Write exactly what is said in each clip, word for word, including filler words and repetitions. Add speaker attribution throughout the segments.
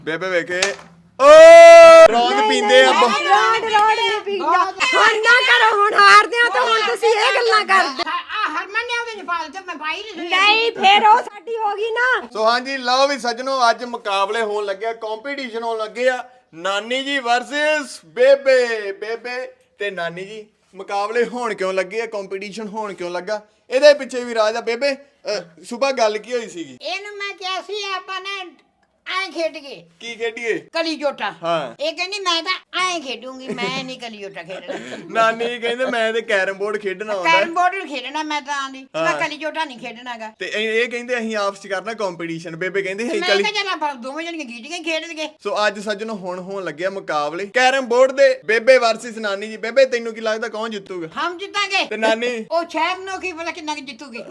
Speaker 1: ਬੇਬੇ ਵੇਖੇ ਓ ਰੌਂਦ ਪੀਂਦੇ ਆ
Speaker 2: ਰੋਡ ਰੋਡ ਨਹੀਂ ਪੀਂਦਾ ਹੁਣ ਨਾ ਕਰੋ ਹੁਣ ਹਾਰਦੇ ਆ ਤਾਂ ਹੁਣ ਤੁਸੀਂ ਇਹ ਗੱਲਾਂ ਕਰਦੇ
Speaker 3: ਆ ਹਰਮਨ ਨੇ ਉਹਦੇ ਚ ਪਾ ਦਿੱਤੇ ਮੈਂ ਪਾਈ ਨਹੀਂ
Speaker 2: ਨਹੀਂ ਫੇਰ ਉਹ ਸਾਡੀ ਹੋ ਗਈ ਨਾ।
Speaker 1: ਸੋ ਹਾਂਜੀ ਲਓ ਵੀ ਸੱਜਣੋ ਅੱਜ ਮੁਕਾਬਲੇ ਹੋਣ ਲੱਗਿਆ ਕੰਪੀਟੀਸ਼ਨ ਹੋਣ ਲੱਗੇ ਆ ਨਾਨੀ ਜੀ ਵਰਸਸ ਬੇਬੇ ਬੇਬੇ ਤੇ ਨਾਨੀ ਜੀ ਮੁਕਾਬਲੇ ਹੋਣ ਕਿਉਂ ਲੱਗੇ ਆ ਕੰਪੀਟੀਸ਼ਨ ਹੋਣ ਕਿਉਂ ਲੱਗਾ ਇਹਦੇ ਪਿੱਛੇ ਵੀ ਰਾਜ ਆ ਬੇਬੇ ਸੁਬਾ ਗੱਲ ਕੀ ਹੋਈ ਸੀਗੀ
Speaker 3: ਇਹਨੂੰ ਮੈਂ ਕਿਹਾ ਸੀ ਆਪਾਂ ਨੇ ਐਂ ਖੇਡ ਗਏ
Speaker 1: ਕੀ ਖੇਡੀਏ
Speaker 3: ਕਲੀ ਜੋਟਾ
Speaker 1: ਹਾਂ।
Speaker 3: ਇਹ ਕਹਿੰਦੀ ਮੈਂ ਤਾਂ ਐਂ ਖੇਡੂੰਗੀ ਮੈਂ ਨਹੀਂ ਕਲੀ ਜੋਟਾ ਖੇਡਣਾ
Speaker 1: ਨਾਨੀ ਜੀ ਕਹਿੰਦੇ ਮੈਂ ਤੇ ਕੈਰਮ ਬੋਰਡ ਖੇਡਣਾ ਆਉਂਦਾ
Speaker 3: ਕੈਰਮ ਬੋਰਡ ਖੇਡਣਾ ਮੈਂ ਤਾਂ ਆਂਦੀ ਮੈਂ ਕਲੀ ਜੋਟਾ ਨਹੀਂ ਖੇਡਣਾਗਾ
Speaker 1: ਤੇ ਇਹ ਇਹ ਕਹਿੰਦੇ ਅਸੀਂ ਆਪਸ ਚ ਕਰਨਾ ਕੰਪੀਟੀਸ਼ਨ ਬੇਬੇ ਕਹਿੰਦੇ ਹੈ
Speaker 3: ਮੈਂ
Speaker 1: ਕਲੀ
Speaker 3: ਕਿਹਾ ਚੱਲ ਆਪਾਂ ਦੋਵੇਂ ਜਣੀਆਂ ਗੀਟੀਆਂ ਹੀ ਖੇਡ ਲਈਏ।
Speaker 1: ਸੋ ਅੱਜ ਸੱਜਣੋ ਹੁਣ ਹੋਣ ਲੱਗਿਆ ਮੁਕਾਬਲੇ ਕੈਰਮ ਬੋਰਡ ਦੇ ਬੇਬੇ ਵਰਸਸ ਨਾਨੀ ਜੀ ਬੇਬੇ ਤੈਨੂੰ ਕੀ ਲੱਗਦਾ ਕੌਣ ਜਿੱਤੂਗਾ
Speaker 3: ਹਮ ਜਿੱਤਾਂਗੇ
Speaker 1: ਤੇ ਨਾਨੀ
Speaker 3: ਉਹ ਸ਼ਹਿਰ ਨੂੰ ਕੀ ਪਤਾ ਕਿੰਨਾ ਕੁ ਜਿੱਤੂਗੀ।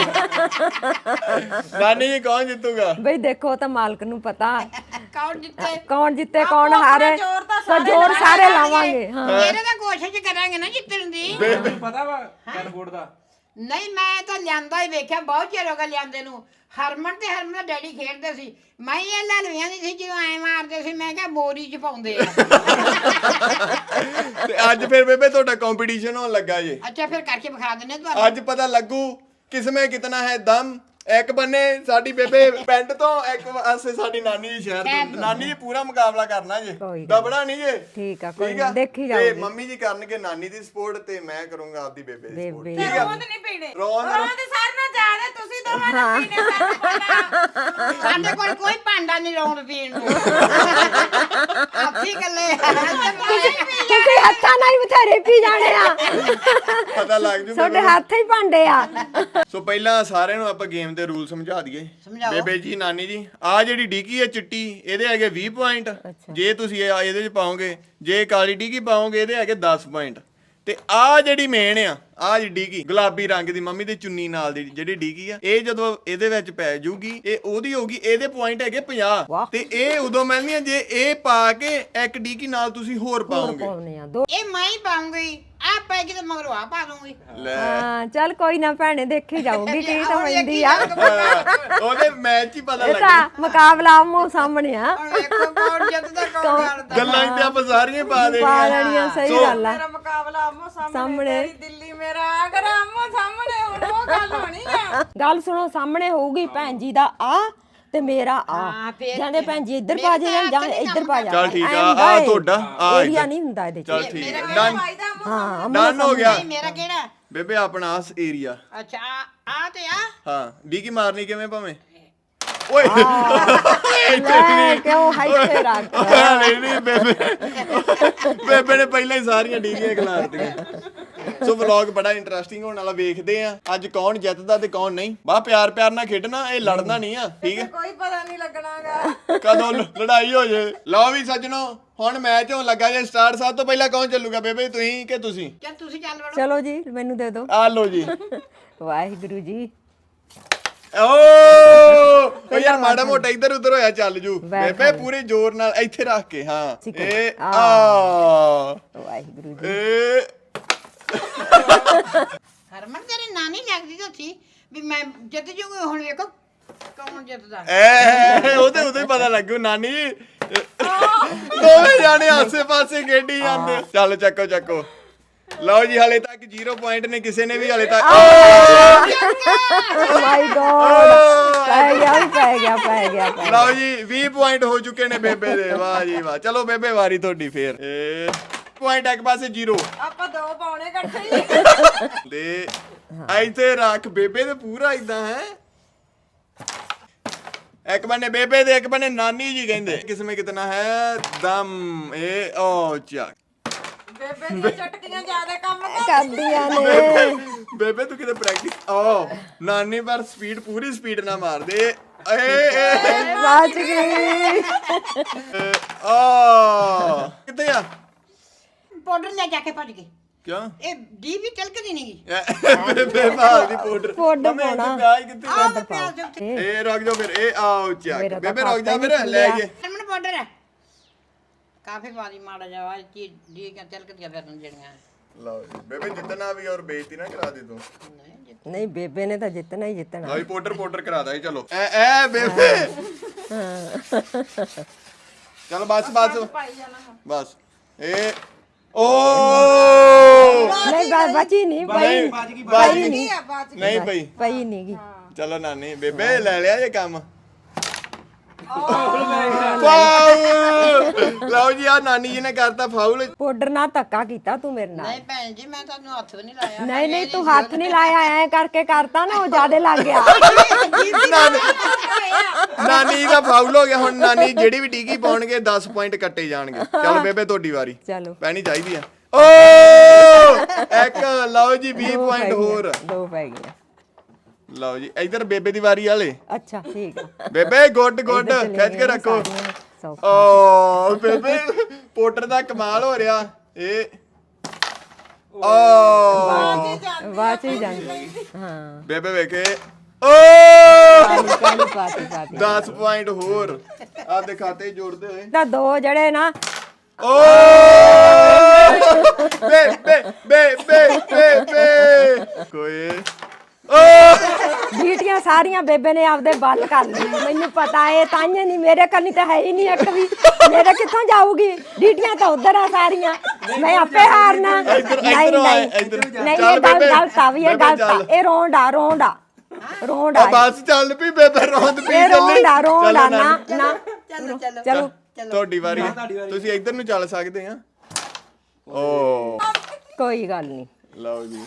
Speaker 1: ਨਾਨੀ ਜੀ ਕੌਣ ਜਿੱਤੂਗਾ
Speaker 2: ਬਈ ਦੇਖੋ ਤਾਂ ਮਾਲਕ ਨੂੰ ਪਤਾ
Speaker 3: ਕੌਣ ਜਿੱਤੇ
Speaker 2: ਕੌਣ ਜਿੱਤੇ ਕੌਣ ਹਾਰੇ ਤਾਂ ਜ਼ੋਰ ਸਾਰੇ ਲਾਵਾਂਗੇ। ਹਾਂ
Speaker 3: ਇਹਦੇ ਤਾਂ ਕੋਸ਼ਿਸ਼ ਕਰਾਂਗੇ ਨਾ ਜਿੱਤਣ ਦੀ।
Speaker 4: ਪਤਾ ਵਾ ਕੈਰਮ ਬੋਰਡ ਦਾ
Speaker 3: ਨਹੀਂ ਮੈਂ ਤਾਂ ਲਿਆਂਦਾ ਹੀ ਵੇਖਿਆ ਬਹੁਤ ਚਿਰ ਹੋ ਗਿਆ ਲਿਆਂਦੇ ਨੂੰ। ਹਰਮਨ ਤੇ ਹਰਮਨ ਦਾ ਡੈਡੀ ਖੇਡਦੇ ਸੀ ਮੈਂ ਇਹ ਲਲਵੀਆਂ ਦੀ ਸੀ ਜਦੋਂ ਐ ਮਾਰਦੇ ਸੀ ਮੈਂ ਕਿਹਾ ਬੋਰੀ ਚ ਪਾਉਂਦੇ ਆ।
Speaker 1: ਤੇ ਅੱਜ ਫਿਰ ਬੇਬੇ ਤੁਹਾਡਾ ਕੰਪੀਟੀਸ਼ਨ ਹੋਣ ਲੱਗਾ ਜੇ
Speaker 3: ਅੱਛਾ ਫਿਰ ਕਰਕੇ ਵਿਖਾ ਦਿੰਨੇ ਤੁਹਾਨੂੰ।
Speaker 1: ਅੱਜ ਪਤਾ ਲੱਗੂ ਕਿਸਮੇ ਕਿਤਨਾ ਹੈ ਦਮ ਇੱਕ ਬੰਨੇ ਸਾਡੀ ਬੇਬੇ ਪਿੰਡ ਤੋਂ ਇੱਕ ਪਾਸੇ ਸਾਡੀ ਨਾਨੀ ਜੀ ਸ਼ਹਿਰ ਤੋਂ ਨਾਨੀ ਜੀ ਪੂਰਾ ਮੁਕਾਬਲਾ ਕਰਨਾ ਜੇ
Speaker 2: ਕੋਈ ਗੱਲ
Speaker 1: ਦਬੜਾ ਨਹੀਂ ਜੇ
Speaker 2: ਠੀਕ ਆ ਕੋਈ
Speaker 1: ਠੀਕ ਆ?
Speaker 2: ਦੇਖੀ
Speaker 1: ਤੇ
Speaker 2: ਜਾਊਗੀ
Speaker 1: ਮੰਮੀ ਜੀ ਕਰਨਗੇ ਨਾਨੀ ਦੀ ਸਪੋਰਟ ਤੇ ਮੈਂ ਕਰੂੰਗਾ ਆਪਦੀ ਬੇਬੇ ਦੀ ਸਪੋਰਟ
Speaker 2: ਬੇਬੇ
Speaker 1: ਠੀਕ ਆ
Speaker 5: ਰੋਂਦ ਨਹੀਂ ਪੀਣੇ
Speaker 1: ਰੋਂਦ
Speaker 5: ਰੋਂਦ ਸਾਰ ਨਾਲ ਜ਼ਿਆਦਾ ਤੁਸੀਂ ਦੋਵਾਂ ਨੇ ਪੀਣੇ ਸਾਡੇ ਕੋਲ
Speaker 3: ਸਾਡੇ ਕੋਲ ਕੋਈ ਭਾਂਡਾ ਨਹੀਂ ਰੌਣ ਪੀਣ ਨੂੰ। ਆਪੀ ਗੱਲੇ
Speaker 2: ਤੁਸੀਂ ਹੱਥਾਂ ਨਾਲ ਹੀ ਬਥੇਰੇ ਪੀ ਜਾਣੇ ਆ
Speaker 1: ਪਤਾ ਲੱਗ ਜੂ
Speaker 2: ਤੁਹਾਡੇ ਹੱਥ ਹੀ ਭਾਂਡੇ ਆ।
Speaker 1: ਸੋ ਪਹਿਲਾਂ ਸਾਰਿਆਂ ਨੂੰ ਆਪਾਂ ਗੇਮ ਦੇ ਰੂਲ ਸਮਝਾ ਦਈਏ
Speaker 3: ਸਮਝਾਓ।
Speaker 1: ਬੇਬੇ ਜੀ ਨਾਨੀ ਜੀ ਆ ਜਿਹੜੀ ਡਿੱਗੀ ਹੈ ਚਿੱਟੀ ਇਹਦੇ ਹੈਗੇ ਵੀਹ ਪੁਆਇੰਟ ਜੇ ਤੁਸੀਂ ਇਹ ਇਹਦੇ ਚ ਪਾਓਗੇ ਜੇ ਕਾਲੀ ਡਿੱਗੀ ਪਾਓਗੇ ਇਹਦੇ ਹੈਗੇ ਦਸ ਪੁਆਇੰਟ ਤੇ ਆ ਜਿਹੜੀ ਮੇਨ ਆ ਆ ਜਿਹੜੀ ਡਿੱਗੀ ਗੁਲਾਬੀ ਰੰਗ ਦੀ ਮੰਮੀ ਦੀ ਚੁੰਨੀ ਨਾਲ ਦੀ ਜਿਹੜੀ ਡਿੱਗੀ ਆ ਇਹ ਜਦੋਂ ਇਹਦੇ ਵਿੱਚ ਪੈ ਜੂਗੀ ਇਹ ਉਹਦੀ ਹੋਗੀ ਇਹਦੇ ਪੁਆਇੰਟ ਹੈਗੇ ਪੰਜਾਹ ਤੇ ਇਹ ਉਦੋਂ ਮਿਲਣੀਆਂ ਜੇ ਇਹ ਪਾ ਕੇ ਇੱਕ ਡਿੱਗੀ ਨਾਲ ਤੁਸੀਂ ਹੋਰ ਪਾਓਗੇ
Speaker 2: ਪਾਉਣੇ ਆ ਦੋ
Speaker 3: ਇਹ ਮੈਂ ਹੀ ਪਾਉਂਗੀ ਆ ਪੈ ਕੇ ਤੇ ਮਗਰੋਂ ਆ ਪਾ ਦੂੰਗੀ।
Speaker 1: ਲੈ
Speaker 2: ਹਾਂ ਚੱਲ ਕੋਈ ਨਾ ਭੈਣੇ ਦੇਖੀ ਜਾਊਗੀ ਕੀ ਤਾਂ ਹੁੰਦੀ ਆ।
Speaker 1: ਉਹਦੇ ਮੈਚ ਹੀ ਪਤਾ
Speaker 2: ਇਹ
Speaker 1: ਲੱਗ
Speaker 2: ਤਾਂ ਮੁਕਾਬਲਾ ਆਮੋ ਸਾਹਮਣੇ ਆ
Speaker 3: ਹੁਣ ਵੇਖੋ ਕੌਣ ਜਿੱਤਦਾ ਕੌਣ ਹਾਰਦਾ।
Speaker 1: ਗੱਲਾਂ ਤੇ ਆਪਾਂ ਸਾਰੀਆਂ ਪਾ
Speaker 2: ਪਾ
Speaker 1: ਦੇਣੀਆਂ
Speaker 2: ਲੈਣੀਆਂ ਸਹੀ
Speaker 1: ਸੋ-
Speaker 2: ਗੱਲ ਆ।
Speaker 5: ਮੇਰਾ ਮੁਕਾਬਲਾ ਆਮੋ ਸਾਹਮਣੇ
Speaker 2: ਸਾਹਮਣੇ।
Speaker 5: ਤੇਰੀ ਦਿੱਲੀ ਮੇਰਾ ਆਗਰਾ ਆਮੋ ਸਾਹਮਣੇ ਹੁਣ ਉਹ ਗੱਲ ਹੋਣੀ ਆ।
Speaker 2: ਗੱਲ ਸੁਣੋ ਸਾਹਮਣੇ ਹੋਊਗੀ ਭੈਣ ਜੀ ਦਾ ਆ ਤੇ ਮੇਰਾ ਆ
Speaker 3: ਹਾਂ, ਫੇਰ
Speaker 2: ਜਾਂਦੇ ਭੈਣ ਜੀ ਇੱਧਰ ਪਾ ਜਾ ਜਾਂ ਇੱਧਰ ਪਾ ਜਾ
Speaker 1: ਚੱਲ ਠੀਕ ਆ ਆ ਤੁਹਾਡਾ ਆ
Speaker 2: ਏਰੀਆ ਨਹੀਂ ਹੁੰਦਾ ਇਹਦੇ ਚ।
Speaker 1: ਚੱਲ ਠੀਕ ਆ
Speaker 5: ਮੇਰਾ
Speaker 1: ਡਨ
Speaker 5: ਭਾਈ ਦਾ ਆਮੋ
Speaker 2: ਹਾਂ
Speaker 1: ਡਨ ਹੋ ਗਿਆ
Speaker 3: ਨਹੀਂ ਮੇਰਾ ਕਿਹੜਾ
Speaker 1: ਬੇਬੇ ਆਪਣਾ ਆਸ ਏਰੀਆ
Speaker 3: ਅੱਛਾ ਆ ਆ ਤੇ ਆ
Speaker 1: ਹਾਂ ਡੀਕੀ ਮਾਰਨੀ ਕਿਵੇਂ ਭਾਵੇਂ ਓਏ
Speaker 2: ਲੈ ਕਿਉਂ ਹਾਈ ਤੇ ਰੱਖ
Speaker 1: ਨਹੀਂ ਨਹੀਂ ਬੇਬੇ ਬੇਬੇ ਨੇ ਪਹਿਲਾਂ ਹੀ ਸਾਰੀਆਂ ਡੀਕੀਆਂ ਖਿਲਾਰਤੀਆਂ ਸੋ ਵਲੌਗ ਬੜਾ ਇੰਟਰਸਟਿੰਗ ਹੋਣ ਵਾਲਾ ਵੇਖਦੇ ਆ ਅੱਜ ਕੌਣ ਜਿੱਤਦਾ ਤੇ ਕੌਣ ਨਹੀਂ ਬਾ ਪਿਆਰ ਪਿਆਰ ਨਾਲ ਖੇਡਣਾ ਇਹ ਲੜਨਾ ਨਹੀਂ ਆ ਠੀਕ ਹੈ
Speaker 5: ਕੋਈ ਪਤਾ ਨਹੀਂ ਲੱਗਣਾਗਾ
Speaker 1: ਕਦੋਂ ਲ- ਲੜਾਈ ਹੋ ਜੇ ਲਓ ਵੀ ਸੱਜਣੋ ਹੁਣ ਮੈਚ ਹੋਣ ਲੱਗਾ ਜੇ ਸਟਾਰਟ ਸਭ ਤੋਂ ਪਹਿਲਾਂ ਕੌਣ ਚੱਲੂਗਾ ਬੇਬੇ ਤੁਸੀਂ ਕਿ ਤੁਸੀਂ
Speaker 3: ਚੱਲ ਤੁਸੀਂ ਚੱਲ ਵੜੋ।
Speaker 2: ਚਲੋ ਜੀ ਮੈਨੂੰ ਦੇ ਦਿਓ
Speaker 1: ਆ ਲਓ ਜੀ
Speaker 2: ਵਾਹਿਗੁਰੂ ਜੀ
Speaker 1: ਓ ਓ ਯਾਰ ਮਾੜਾ ਮੋਟਾ ਇੱਧਰ ਉੱਧਰ ਹੋਇਆ ਚੱਲ ਜੂ ਬੇਬੇ ਪੂਰੇ ਜ਼ੋਰ ਨਾਲ ਇੱਥੇ ਰੱਖ ਕੇ ਹਾਂ ਇਹ ਆ
Speaker 2: ਵਾਹਿਗੁਰੂ ਜੀ
Speaker 1: ਇਹ
Speaker 3: ਹਰਮਨ ਤੇਰੀ ਨਾਨੀ ਲੱਗਦੀ ਤਾਂ ਸੀ ਵੀ ਮੈਂ ਜਿੱਤ ਜੂਗੀ ਹੁਣ ਵੇਖੋ ਕੌਣ ਜਿੱਤਦਾ।
Speaker 1: ਐ ਉਹਦੇ ਉਹਦੇ ਪਤਾ ਲੱਗੂ ਨਾਨੀ ਦੋਵੇਂ ਜਾਣੇ ਆਸੇ ਪਾਸੇ ਖੇਡੀ ਜਾਂਦੇ ਚੱਲ ਚੱਕੋ ਚੱਕੋ ਲਓ ਜੀ ਹਲੇ ਤੱਕ ਜ਼ੀਰੋ ਪੁਆਇੰਟ ਨੇ ਕਿਸੇ ਨੇ ਵੀ ਹਲੇ ਤੱਕ
Speaker 2: ਮਾਈ ਗੋਡ ਪੈ ਗਿਆ ਵੀ ਪੈ ਗਿਆ ਪੈ ਗਿਆ ਪੈ ਗਿਆ।
Speaker 1: ਲਓ ਜੀ ਵੀਹ ਪੁਆਇੰਟ ਹੋ ਚੁੱਕੇ ਨੇ ਬੇਬੇ ਦੇ ਵਾਹ ਜੀ ਵਾਹ ਚਲੋ ਬੇਬੇ ਵਾਰੀ ਤੁਹਾਡੀ ਫੇਰ ਇਹ ਪੁਆਇੰਟ ਇੱਕ ਪਾਸੇ ਜ਼ੀਰੋ
Speaker 5: ਆਪਾਂ ਦੋ ਪਾਉਣੇ ਇਕੱਠੇ ਹੀ।
Speaker 1: ਦੇ ਇੱਥੇ ਰੱਖ ਬੇਬੇ ਦੇ ਪੂਰਾ ਇਦਾਂ ਹੈ ਇੱਕ ਬੰਨੇ ਬੇਬੇ ਦੇ ਇੱਕ ਬੰਨੇ ਨਾਨੀ ਜੀ ਕਹਿੰਦੇ ਕਿਸਮੇ ਕਿਤਨਾ ਹੈ ਦਮ ਇਹ ਓ ਚੱਕ
Speaker 5: ਬੇਬੇ ਦੀਆਂ ਚਟਕੀਆਂ ਜ਼ਿਆਦਾ ਕੰਮ
Speaker 2: ਕਰਦੀਆਂ ਨੇ
Speaker 1: ਬੇਬੇ ਤੂੰ ਕਿਤੇ ਪ੍ਰੈਕਟਿਸ ਓ ਨਾਨੀ ਪਰ ਸਪੀਡ ਪੂਰੀ ਸਪੀਡ ਨਾਲ ਮਾਰਦੇ ਏ ਏ
Speaker 2: ਬਚ ਗਈ
Speaker 1: ਓ ਕਿੱਥੇ ਆ
Speaker 3: ਪਾਊਡਰ ਲੈ ਜਾ ਕੇ ਭੱਜ ਗਏ
Speaker 1: ਕਿਉਂ
Speaker 3: ਇਹ ਡੀ ਵੀ ਤਿਲਕਦੀ ਨਹੀਂ ਗਈ।
Speaker 1: ਬੇਬੇ ਮਾਰ ਦੀ ਪਾਊਡਰ
Speaker 2: ਪਾਊਡਰ ਪਾਉਣਾ।
Speaker 1: ਪਿਆਜ ਕਿੱਥੇ
Speaker 3: ਆਹ
Speaker 1: ਆ?
Speaker 3: ਮੈਂ ਪਿਆਜ਼ ਦੇ ਉੱਤੇ
Speaker 1: ਇਹ ਰੁਕ ਜਾ ਫਿਰ ਇਹ ਆਓ ਚੱਕ
Speaker 2: ਮੇਰਾ ਤਾਂ
Speaker 1: ਬੇਬੇ ਰੁਕ ਜਾ
Speaker 2: ਖਾਤਾ ਹੀ
Speaker 1: ਫਿਰ ਲੈ
Speaker 2: ਨਹੀਂ
Speaker 1: ਗਏ
Speaker 3: ਹਰਮਨ ਪਾਊਡਰ ਹੈ ਕਾਫੀ ਵਾਰੀ ਮਾੜਾ ਜਾਵਾ ਜੀ ਡੀ ਕੇ ਤਿਲਕਦੀਆਂ ਫਿਰਨ ਜਿਹੜੀਆਂ
Speaker 1: ਲਓ ਜੀ ਬੇਬੇ ਜਿੱਤਣਾ ਵੀ ਔਰ ਬੇਇੱਜ਼ਤੀ ਨਾ ਕਰਾ ਦੇ ਤੂੰ
Speaker 3: ਨਹੀਂ ਜਿੱਤ
Speaker 2: ਨਹੀਂ ਬੇਬੇ ਨੇ ਤਾਂ ਜਿੱਤਣਾ ਹੀ ਜਿੱਤਣਾ
Speaker 1: ਲਓ ਜੀ ਪਾਊਡਰ ਪਾਊਡਰ ਕਰਾ ਦਾਂ ਚਲੋ ਐ ਐ ਬੇਬੇ ਚਲ ਬਸ ਬਸ
Speaker 5: ਪਾਈ ਜਾਣਾ ਹੁਣ।
Speaker 1: ਬਸ ਇਹ ਓ
Speaker 2: ਨਹੀਂ ਬ- ਬਚੀ ਨਹੀਂ ਪਈ
Speaker 1: ਨਹੀਂ
Speaker 4: ਬਾਜ ਗਈ
Speaker 1: ਬਾਜ
Speaker 2: ਪਈ
Speaker 1: ਗਈ।
Speaker 2: ਨਹੀਂ
Speaker 5: ਬਾਅਦ ਚ
Speaker 1: ਨਹੀਂ ਪਈ
Speaker 2: ਪਈ ਨਹੀਂ ਗੀ
Speaker 1: ਚਲੋ ਨਾਨੀ ਬੇਬੇ ਲੈ ਲਿਆ ਇਹ ਕੰਮ ਫਾਉਲ ਲਓ ਜੀ ਆ ਨਾਨੀ ਜੀ ਨੇ ਕਰਤਾ ਫਾਉਲ
Speaker 2: ਪਾਊਡਰ ਨਾਲ ਧੱਕਾ ਕੀਤਾ ਤੂੰ ਮੇਰੇ ਨਾਲ
Speaker 3: ਨਹੀਂ ਭੈਣ ਜੀ ਮੈਂ ਤੁਹਾਨੂੰ ਹੱਥ ਵੀ ਨਹੀਂ ਲਾਇਆ
Speaker 2: ਨਹੀਂ ਨਹੀਂ ਤੂੰ ਹੱਥ ਨਹੀਂ ਲਾਇਆ ਐ ਕਰਕੇ ਕਰਤਾ ਨਾ ਉਹ ਜਿਆਦੇ ਲੱਗ ਗਿਆ
Speaker 1: ਨਾਨੀ ਨਾਨੀ ਦਾ ਫਾਉਲ ਹੋ ਗਿਆ ਹੁਣ ਨਾਨੀ ਜਿਹੜੀ ਵੀ ਟੀਕੀ ਪਾਉਣਗੇ ਦਸ ਪੁਆਇੰਟ ਕੱਟੇ ਜਾਣਗੇ ਚਲੋ ਬੇਬੇ ਤੁਹਾਡੀ ਵਾਰੀ
Speaker 2: ਚਲੋ
Speaker 1: ਪੈਣੀ ਚਾਹੀਦੀ ਆ ਓ ਇੱਕ ਲਓ ਜੀ ਵੀਹ
Speaker 2: ਦੋ
Speaker 1: ਪੁਆਇੰਟ
Speaker 2: ਪੈ ਗਈਆਂ,
Speaker 1: ਹੋਰ
Speaker 2: ਦੋ ਪੈ ਗਈਆਂ
Speaker 1: ਲਓ ਜੀ ਇਧਰ ਬੇਬੇ ਦੀ ਵਾਰੀ ਵਾਲੇ
Speaker 2: ਅੱਛਾ ਠੀਕ ਆ
Speaker 1: ਬੇਬੇ ਗੁੱਡ ਗੁੱਡ
Speaker 2: ਇੱਧਰ ਚਲੇ
Speaker 1: ਖਿੱਚ ਕੇ
Speaker 2: ਗਈਆਂ
Speaker 1: ਰੱਖੋ
Speaker 2: ਸਾਰੀਆਂ, ਸੌ।
Speaker 1: ਓ ਬੇਬੇ ਪੋਟਰ ਦਾ ਕਮਾਲ ਹੋ ਰਿਹਾ ਇਹ ਓ
Speaker 2: ਬਾਅਦ ਚ ਹੀ ਜਾਂਦੀ ਹਾਂ
Speaker 1: ਬੇਬੇ ਵੇਖੇ ਓ
Speaker 2: ਪਾਣੀ ਪਾਣੀ ਪਾਤੀ ਪਾਤੀ
Speaker 1: ਦਸ ਪੁਆਇੰਟ ਹੋਰ ਆਪਦੇ ਖਾਤੇ 'ਚ ਜੋੜਦੇ ਹੋਏ
Speaker 2: ਤਾਂ ਦੋ ਜਿਹੜੇ ਨਾ
Speaker 1: ਓ ਬੇ ਬੇ ਬੇ ਬੇ ਬੇ ਬੇ ਕੋਈ ਓ
Speaker 2: ਡੀਟੀਆਂ ਸਾਰੀਆਂ ਬੇਬੇ ਨੇ ਆਪਦੇ ਬੰਦ ਕਰ ਲਈਆਂ ਮੈਨੂੰ ਪਤਾ ਏ ਤਾਂਹੀਓ ਨਹੀਂ ਮੇਰੇ ਕੰਨੀ ਤਾਂ ਹੈ ਹੀ ਨਹੀਂ ਇੱਕ ਵੀ ਮੇਰੇ ਕਿੱਥੋਂ ਜਾਊਗੀ ਡੀਟੀਆਂ ਤਾਂ ਉਧਰ ਆ ਸਾਰੀਆਂ ਮੈਂ ਆਪੇ ਹਾਰਨਾ
Speaker 1: ਇੱਧਰ
Speaker 2: ਨਹੀਂ
Speaker 1: ਇੱਧਰ ਆ
Speaker 2: ਨਹੀਂ
Speaker 1: ਇੱਧਰ
Speaker 2: ਨਹੀਂ
Speaker 1: ਚੱਲ
Speaker 2: ਇਹ ਗੱਲ
Speaker 1: ਬੇਬੇ,
Speaker 2: ਗਲਤ ਆ ਵੀ ਇਹ
Speaker 1: ਬੇਬੇ
Speaker 2: ਗਲਤ ਆ
Speaker 1: ਚੱਲ।
Speaker 2: ਇਹ ਰੋਂਡਾ ਰੋਂਡਾ ਰੋਂਡਾ
Speaker 1: ਆ ਬਸ ਚੱਲ ਪਈ ਬੇਬੇ ਰੋਂਦ ਪਈ
Speaker 2: ਇਹ
Speaker 1: ਚੱਲੀ
Speaker 2: ਰੋਂਡਾ ਰੋਂਡਾ
Speaker 1: ਚਲੋ
Speaker 2: ਨਾ
Speaker 1: ਨਾਨੀ,
Speaker 2: ਨਾ
Speaker 3: ਚਲੋ ਚਲੋ
Speaker 2: ਚਲੋ
Speaker 1: ਤੁਹਾਡੀ ਵਾਰੀ ਆ। ਤੁਸੀਂ ਇੱਧਰ ਨੂੰ ਚੱਲ ਸਕਦੇ ਆ ਓ
Speaker 2: ਕੋਈ ਗੱਲ ਨਹੀਂ
Speaker 1: ਲਓ ਜੀ